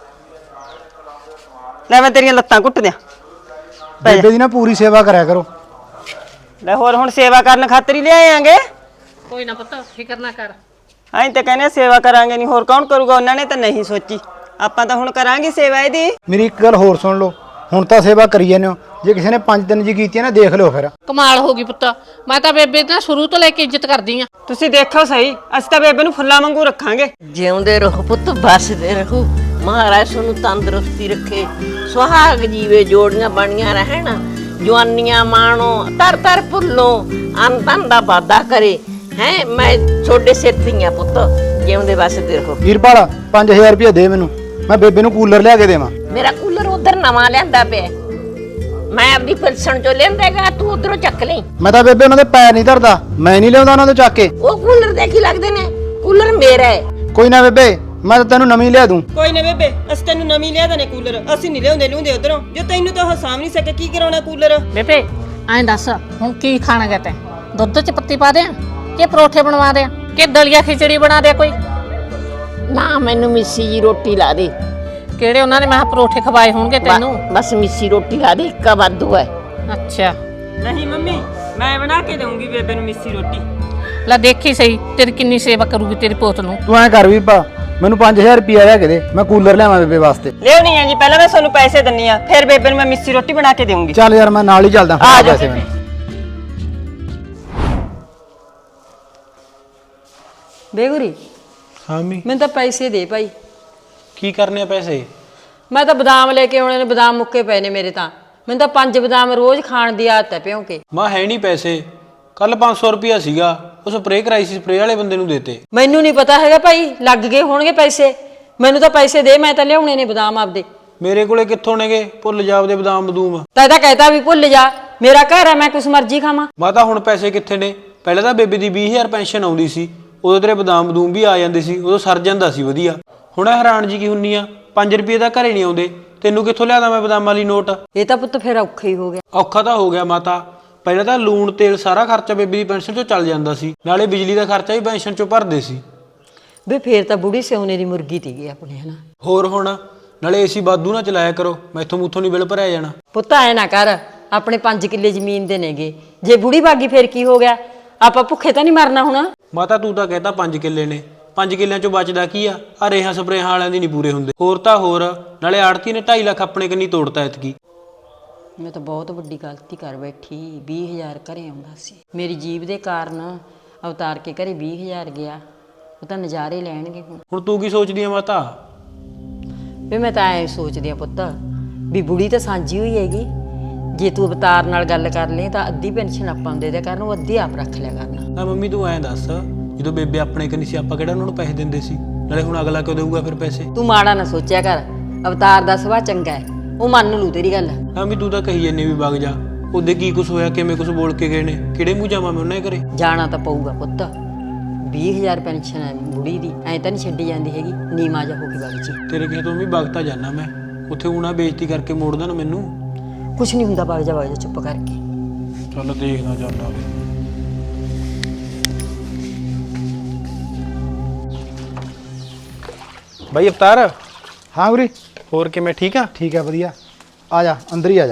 Speaker 8: ਲੈ ਮੈਂ ਤੇਰੀਆਂ ਲੱਤਾਂ ਘੁੱਟ ਦਿਆਂ।
Speaker 6: ਬੇਬੇ ਦੀ ਨਾ ਪੂਰੀ ਸੇਵਾ ਕਰਿਆ ਕਰੋ।
Speaker 8: ਲੈ ਹੋਰ ਹੁਣ ਸੇਵਾ ਕਰਨ ਖਾਤਰ ਹੀ ਲਿਆਏ ਆਂਗੇ।
Speaker 7: ਕੋਈ ਨਾ ਪੁੱਤ ਫਿਕਰ ਨਾ ਕਰ।
Speaker 8: ਅਸੀਂ ਤਾਂ ਕਹਿੰਦੇ ਸੇਵਾ ਕਰਾਂਗੇ ਨਹੀਂ, ਹੋਰ ਕੌਣ ਕਰੂਗਾ? ਉਹਨਾਂ ਨੇ ਤਾਂ ਨਹੀਂ ਸੋਚੀ, ਆਪਾਂ ਤਾਂ ਹੁਣ ਕਰਾਂਗੇ ਸੇਵਾ ਇਹਦੀ।
Speaker 6: ਮੇਰੀ ਇੱਕ ਗੱਲ ਹੋਰ ਸੁਣ ਲਓ, ਹੁਣ ਤਾਂ ਸੇਵਾ ਕਰੀ ਜਾਂਦੇ ਹੋ, ਜੇ ਕਿਸੇ ਨੇ 5 ਦਿਨ ਜੀ ਕੀਤੀ ਹੈ ਨਾ ਦੇਖ ਲਿਓ ਫਿਰ।
Speaker 7: ਕਮਾਲ ਹੋ ਗਈ ਪੁੱਤ, ਮੈਂ ਤਾਂ ਬੇਬੇ ਦਾ ਸ਼ੁਰੂ ਤੋਂ ਲੈ ਕੇ ਇੱਜ਼ਤ ਕਰਦੀ ਆ।
Speaker 8: ਤੁਸੀਂ ਦੇਖੋ ਸਹੀ, ਅਸੀਂ ਤਾਂ ਬੇਬੇ ਨੂੰ ਫੁੱਲਾਂ ਵਾਂਗੂ ਰੱਖਾਂਗੇ।
Speaker 2: ਜਿਉਂਦੇ ਰਹੋ ਪੁੱਤ, ਬਸਦੇ ਰਹੋ। ਮਹਾਰਾਜ ਤੁਹਾਨੂੰ ਤੰਦਰੁਸਤੀ ਰੱਖੇ, ਸੁਹਾਗ ਜੀਵੇ, ਜੋੜੀਆਂ ਬਣੀਆਂ ਰਹਿਣ, ਜਵਾਨੀਆਂ ਮਾਣੋ, ਤਰ ਤਰ ਭੁੱਲੋ, ਅੰਤਨ ਦਾ ਵਾਦਾ ਕਰੇ। ਹੈ ਮੈਂ ਛੋਡੇ ਸਿਰ ਤੇ ਆ ਪੁੱਤ, ਜਿਉਂਦੇ ਬਸਦੇ ਰਹੋ।
Speaker 6: ਵੀਰਪਾਲ 5000 ਰੁਪਏ ਦੇ ਮੈਨੂੰ, ਮੈਂ ਬੇਬੇ ਨੂੰ ਕੂਲਰ ਲਿਆ ਕੇ ਦੇਵਾਂ।
Speaker 2: ਮੇਰਾ ਕੂਲਰ ਉਧਰ ਨਵਾਂ ਲਿਆਂਦਾ ਪਿਆ, ਮੈਂ ਆਪਦੀ ਪਿਲਸਣ ਚੋਂ ਲਿਆਂਦਾਗਾ, ਤੂੰ ਉਧਰੋਂ ਚੱਕ ਲਈ।
Speaker 6: ਮੈਂ ਤਾਂ ਬੇਬੇ ਉਹਨਾਂ ਦੇ ਪੈਰ ਨਹੀਂ ਧਰਦਾ, ਮੈਂ ਨਹੀਂ ਲਿਆਉਂਦਾ ਉਹਨਾਂ ਤੋਂ ਚੱਕ ਕੇ।
Speaker 2: ਉਹ ਕੂਲਰ ਦੇ ਕੀ ਲੱਗਦੇ ਨੇ, ਕੂਲਰ ਮੇਰਾ ਹੈ।
Speaker 6: ਕੋਈ ਨਾ ਬੇਬੇ, ਮੈਂ ਤਾਂ ਤੈਨੂੰ ਨਵੀਂ ਲਿਆ ਦੂੰ।
Speaker 8: ਕੋਈ ਨਾ ਬੇਬੇ, ਅਸੀਂ ਤੈਨੂੰ ਨਵੀਂ ਲਿਆ ਦਨੇ ਕੂਲਰ। ਅਸੀਂ ਨਹੀਂ ਲਿਆਉਂਦੇ ਉਧਰੋਂ, ਜੋ ਤੈਨੂੰ ਤਾਂ ਉਹ ਸਾਂਭ ਨਹੀਂ ਸਕੇ। ਕੀ ਕਰਾਉਣਾ ਕੂਲਰ?
Speaker 7: ਬੇਬੇ ਐਂ ਦੱਸ ਹੁਣ ਕੀ ਖਾਣਾ ਗਾ ਤੈਂ? ਦੁੱਧ 'ਚ ਪੱਤੀ ਪਾ ਦਿਆਂ ਕਿ ਪਰੌਠੇ ਬਣਵਾ ਦਿਆਂ ਕਿ ਦਲੀਆ ਖਿਚੜੀ ਬਣਾ ਦਿਆਂ? ਕੋਈ
Speaker 2: ਨਾ ਮੈਨੂੰ ਮਿੱਸੀ ਜੀ ਰੋਟੀ ਲਾ ਦੇ।
Speaker 7: ਕਿਹੜੇ ਉਹਨਾਂ ਨੇ ਮੈਂ ਕਿਹਾ ਪਰੌਠੇ ਖਵਾਏ ਹੋਣਗੇ ਤੈਨੂੰ।
Speaker 2: ਬਸ ਮਿੱਸੀ ਰੋਟੀ ਲਾ ਦੇ, ਇੱਕਾ ਵਾਧੂ ਹੈ।
Speaker 7: ਅੱਛਾ
Speaker 8: ਨਹੀਂ ਮੰਮੀ, ਮੈਂ ਬਣਾ ਕੇ ਦਊਂਗੀ ਬੇਬੇ ਨੂੰ ਮਿੱਸੀ ਰੋਟੀ।
Speaker 7: ਲੈ ਦੇਖੀ ਸਹੀ ਤੇਰੀ ਕਿੰਨੀ ਸੇਵਾ ਕਰੂਗੀ ਤੇਰੀ ਪੋਤ ਨੂੰ।
Speaker 6: ਤੂੰ ਐਂ ਕਰ ਵੀ ਪਾ, ਮੈਨੂੰ 5000 ਰੁਪਏ ਲਿਆ ਕੇ ਦੇ, ਮੈਂ ਕੂਲਰ ਲਿਆਵਾਂ ਬੇਬੇ ਵਾਸਤੇ।
Speaker 8: ਲਿਆਉਣੀ ਆ ਜੀ, ਪਹਿਲਾਂ ਮੈਂ ਤੁਹਾਨੂੰ ਪੈਸੇ ਦਿੰਨੀ ਆ, ਫਿਰ ਬੇਬੇ ਨੂੰ ਮੈਂ ਮਿੱਸੀ ਰੋਟੀ ਬਣਾ ਕੇ ਦੇਵਾਂਗੀ।
Speaker 6: ਚੱਲ ਯਾਰ ਮੈਂ ਨਾਲ ਹੀ ਚੱਲਦਾ,
Speaker 8: ਆ ਜਾ
Speaker 6: ਪੈਸੇ ਮੈਨੂੰ।
Speaker 3: ਬੇਗੁਰੀ
Speaker 4: ਹਾਂ ਮੰਮੀ,
Speaker 3: ਮੈਨੂੰ ਤਾਂ ਪੈਸੇ ਦੇ ਭਾਈ।
Speaker 4: ਕੀ ਕਰਨੇ ਆ ਪੈਸੇ?
Speaker 3: ਮੈਂ ਤਾਂ ਬਦਾਮ ਲੈ ਕੇ ਆਉਣੇ ਨੇ, ਬਦਾਮ ਮੁੱਕੇ ਪਏ ਨੇ ਮੇਰੇ ਤਾਂ। ਮੈਨੂੰ ਤਾਂ 5 ਬਦਾਮ ਰੋਜ਼ ਖਾਣ ਦੀ ਆਦਤ ਹੈ ਪਿਓ ਕੇ।
Speaker 4: ਮਾਂ ਹੈ ਨਹੀਂ ਪੈਸੇ, ਕੱਲ 500 ਰੁਪਿਆ ਸੀਗਾ, ਉਹ ਸਪਰੇਅ ਕਰਾਈ ਸੀ, ਸਪਰੇਅ ਵਾਲੇ ਬੰਦੇ ਨੂੰ ਦੇਤੇ।
Speaker 3: ਮੈਨੂੰ ਨਹੀਂ ਪਤਾ ਹੈਗਾ ਭਾਈ, ਲੱਗ ਗਏ ਹੋਣਗੇ ਪੈਸੇ। ਮੈਨੂੰ ਤਾਂ ਪੈਸੇ ਦੇ, ਮੈਂ ਤਾਂ ਲਿਆਉਣੇ ਨੇ ਬਦਾਮ ਆਪਦੇ।
Speaker 4: ਮੇਰੇ ਕੋਲੇ ਕਿੱਥੋਂ ਨੇਗੇ? ਭੁੱਲ ਜਾ ਆਪਦੇ ਬਦਾਮ ਬਦੂਮ।
Speaker 3: ਤਾਂ ਇਹਦਾ ਕਹਿਤਾ ਵੀ ਭੁੱਲ ਜਾ, ਮੇਰਾ ਘਰ ਆ, ਮੈਂ ਕੁਛ ਮਰਜ਼ੀ ਖਾਵਾਂ।
Speaker 4: ਮਾਤਾ ਹੁਣ ਪੈਸੇ ਕਿੱਥੇ ਨੇ? ਪਹਿਲਾਂ ਤਾਂ ਬੇਬੇ ਦੀ 20000 ਪੈਨਸ਼ਨ ਆਉਂਦੀ ਸੀ, ਉਦੋਂ ਤੇਰੇ ਬਦਾਮ ਬਦੂਮ ਵੀ ਆ ਜਾਂਦੇ ਸੀ, ਉਦੋਂ ਸਰ ਜਾਂਦਾ ਸੀ ਵਧੀਆ। ਹੁਣ ਹੈਰਾਨ ਜੀ ਕੀ ਹੁੰਨੀ ਆ, 5 ਰੁਪਏ ਤਾਂ ਘਰੇ ਨਹੀਂ ਆਉਂਦੇ, ਤੈਨੂੰ ਕਿੱਥੋਂ ਲਿਆਦਾ ਮੈਂ ਬਦਾਮਾਂ ਵਾਲੀ ਨੋਟ?
Speaker 3: ਇਹ ਤਾਂ ਪੁੱਤ ਫਿਰ ਔਖਾ ਹੀ ਹੋ ਗਿਆ।
Speaker 4: ਔਖਾ ਤਾਂ ਹੋ ਗਿਆ ਮਾਤਾ, ਪਹਿਲਾਂ ਤਾਂ ਲੂਣ ਤੇਲ ਸਾਰਾ ਖਰਚਾ ਬੇਬੇ ਦੀ ਪੈਨਸ਼ਨ ਚੋਂ ਚੱਲ ਜਾਂਦਾ ਸੀ, ਨਾਲੇ ਬਿਜਲੀ ਦਾ ਖਰਚਾ ਵੀ ਪੈਨਸ਼ਨ ਚੋਂ ਭਰਦੇ ਸੀ।
Speaker 3: ਵੀ ਫੇਰ ਤਾਂ ਬੁੜੀ ਸਿਉਨੇ ਦੀ ਮੁਰਗੀ ਤੀਗੀ ਆਪਣੇ, ਹਨਾ।
Speaker 4: ਹੋਰ ਹੁਣ ਨਾਲੇ ਏਸੀ ਬਾਦੂ ਨਾ ਚਲਾਇਆ ਕਰੋ, ਮੈਥੋਂ ਮੂਥੋਂ ਨਹੀਂ ਬਿੱਲ ਭਰਿਆ ਜਾਣਾ।
Speaker 3: ਪੁੱਤ ਐ ਨਾ ਕਰ, ਆਪਣੇ 5 ਕਿੱਲੇ ਜ਼ਮੀਨ ਦੇ ਨੇਗੇ, ਜੇ ਬੁੜੀ ਬਾਗੀ ਫੇਰ ਕੀ ਹੋ ਗਿਆ? ਆਪਾਂ ਭੁੱਖੇ ਤਾਂ ਨਹੀਂ ਮਰਨਾ ਹੁਣ।
Speaker 4: ਮਾਤਾ ਤੂੰ ਤਾਂ ਕਹਿਤਾ 5 ਕਿੱਲੇ ਨੇ, 5 ਕਿੱਲਿਆਂ ਚੋਂ ਬਚਦਾ ਕੀ ਆ? ਆ ਰੇਹਾਂ ਸਪਰੇਹਾਂ ਵਾਲਿਆਂ ਦੀ ਨਹੀਂ ਪੂਰੇ ਹੁੰਦੇ। ਹੋਰ ਤਾਂ ਹੋਰ, ਨਾਲੇ ਆੜਤੀ ਨੇ 2.5 ਲੱਖ ਆਪਣੇ ਕੰਨੀ ਤੋੜਤਾ ਐਤਕੀ।
Speaker 3: ਮੈਂ ਤਾਂ ਬਹੁਤ ਵੱਡੀ ਗਲਤੀ ਕਰ ਬੈਠੀ। 20000 ਘਰੇ ਆਉਂਦਾ ਸੀ, ਮੇਰੀ ਜੀਬ ਦੇ ਕਾਰਨ ਅਵਤਾਰ ਕੇ ਘਰੇ 20000 ਗਿਆ। ਉਹ ਤਾਂ ਨਜ਼ਾਰੇ ਲੈਣਗੇ
Speaker 4: ਹੁਣ ਤੂੰ ਕੀ ਸੋਚਦੀ ਆ ਮਾਤਾ?
Speaker 3: ਵੀ ਮੈਂ ਤਾਂ ਐ ਸੋਚਦੀ ਆ ਪੁੱਤ, ਵੀ ਬੁੜੀ ਤਾਂ ਸਾਂਝੀ ਹੋਈ ਹੈਗੀ। ਜੇ ਤੂੰ ਅਵਤਾਰ ਨਾਲ ਗੱਲ ਕਰ ਲਈ ਤਾਂ ਅੱਧੀ ਪੈਨਸ਼ਨ ਆਪਾਂ ਨੂੰ ਦੇ ਦਿਆ ਕਰਨ, ਉਹ ਅੱਧੀ ਆਪ ਰੱਖ ਲਿਆ ਕਰਨਾ।
Speaker 4: ਨਾ ਮੰਮੀ ਤੂੰ ਐਂ ਦੱਸ, ਜਦੋਂ ਬੇਬੇ ਆਪਣੇ ਕੰਨੀ ਸੀ ਆਪਾਂ ਕਿਹੜਾ ਉਹਨਾਂ ਨੂੰ ਪੈਸੇ ਦਿੰਦੇ ਸੀ? ਨਾਲੇ ਹੁਣ ਅਗਲਾ ਕਿਉਂ ਦੇਊਗਾ ਫਿਰ ਪੈਸੇ?
Speaker 3: ਤੂੰ ਮਾੜਾ ਨਾ ਸੋਚਿਆ ਕਰ, ਅਵਤਾਰ ਦਾ ਸੁਭਾਅ ਚੰਗਾ ਹੈ, ਉਹ ਮੰਨ ਲੂ ਤੇਰੀ ਗੱਲ।
Speaker 4: ਹਾਂ ਵੀ ਤੂੰ ਤਾਂ ਕਹੀ ਜੰਨੇ ਵੀ ਵਗ ਜਾ, ਉਹਦੇ ਕੀ ਕੁਝ ਹੋਇਆ, ਕਿਵੇਂ ਕੁਝ ਬੋਲ ਕੇ ਗਏ ਨੇ, ਕਿਹੜੇ ਮੂੰਹ ਜਾਵਾਂ ਮੈਂ ਉਹਨਾਂ ਦੇ ਘਰੇ?
Speaker 3: ਜਾਣਾ ਤਾਂ ਪਊਗਾ ਪੁੱਤ, 20000 ਪੈਨਸ਼ਨ ਹੈ ਬੁੜੀ ਦੀ, ਐਂ ਤਾਂ ਨਹੀਂ ਛੱਡੀ ਜਾਂਦੀ ਹੈਗੀ। ਨੀਮਾ ਜਾ ਹੋ ਕੇ ਵਗ ਜੀ।
Speaker 4: ਤੇਰੇ ਕਿਸੇ ਤੋਂ ਵੀ ਵਗਤਾ ਜਾਣਾ ਮੈਂ, ਉੱਥੇ ਉਹਨਾਂ ਬੇਇੱਜ਼ਤੀ ਕਰਕੇ ਮੋੜਦਾ ਨਾ ਮੈਨੂੰ।
Speaker 3: ਕੁਛ ਨਹੀਂ ਹੁੰਦਾ, ਵਗ ਜਾ ਚੁੱਪ ਕਰਕੇ।
Speaker 4: ਚੱਲ ਦੇਖਣਾ ਜਾਂਦਾ। ਬਾਈ ਅਵਤਾਰ,
Speaker 6: ਹਾਂ ਗੁਰੀ,
Speaker 4: ਹੋਰ ਕਿਵੇਂ? ਠੀਕ ਆ?
Speaker 6: ਠੀਕ ਹੈ ਵਧੀਆ। ਆ ਜਾ ਅੰਦਰ ਹੀ ਆ ਜਾ।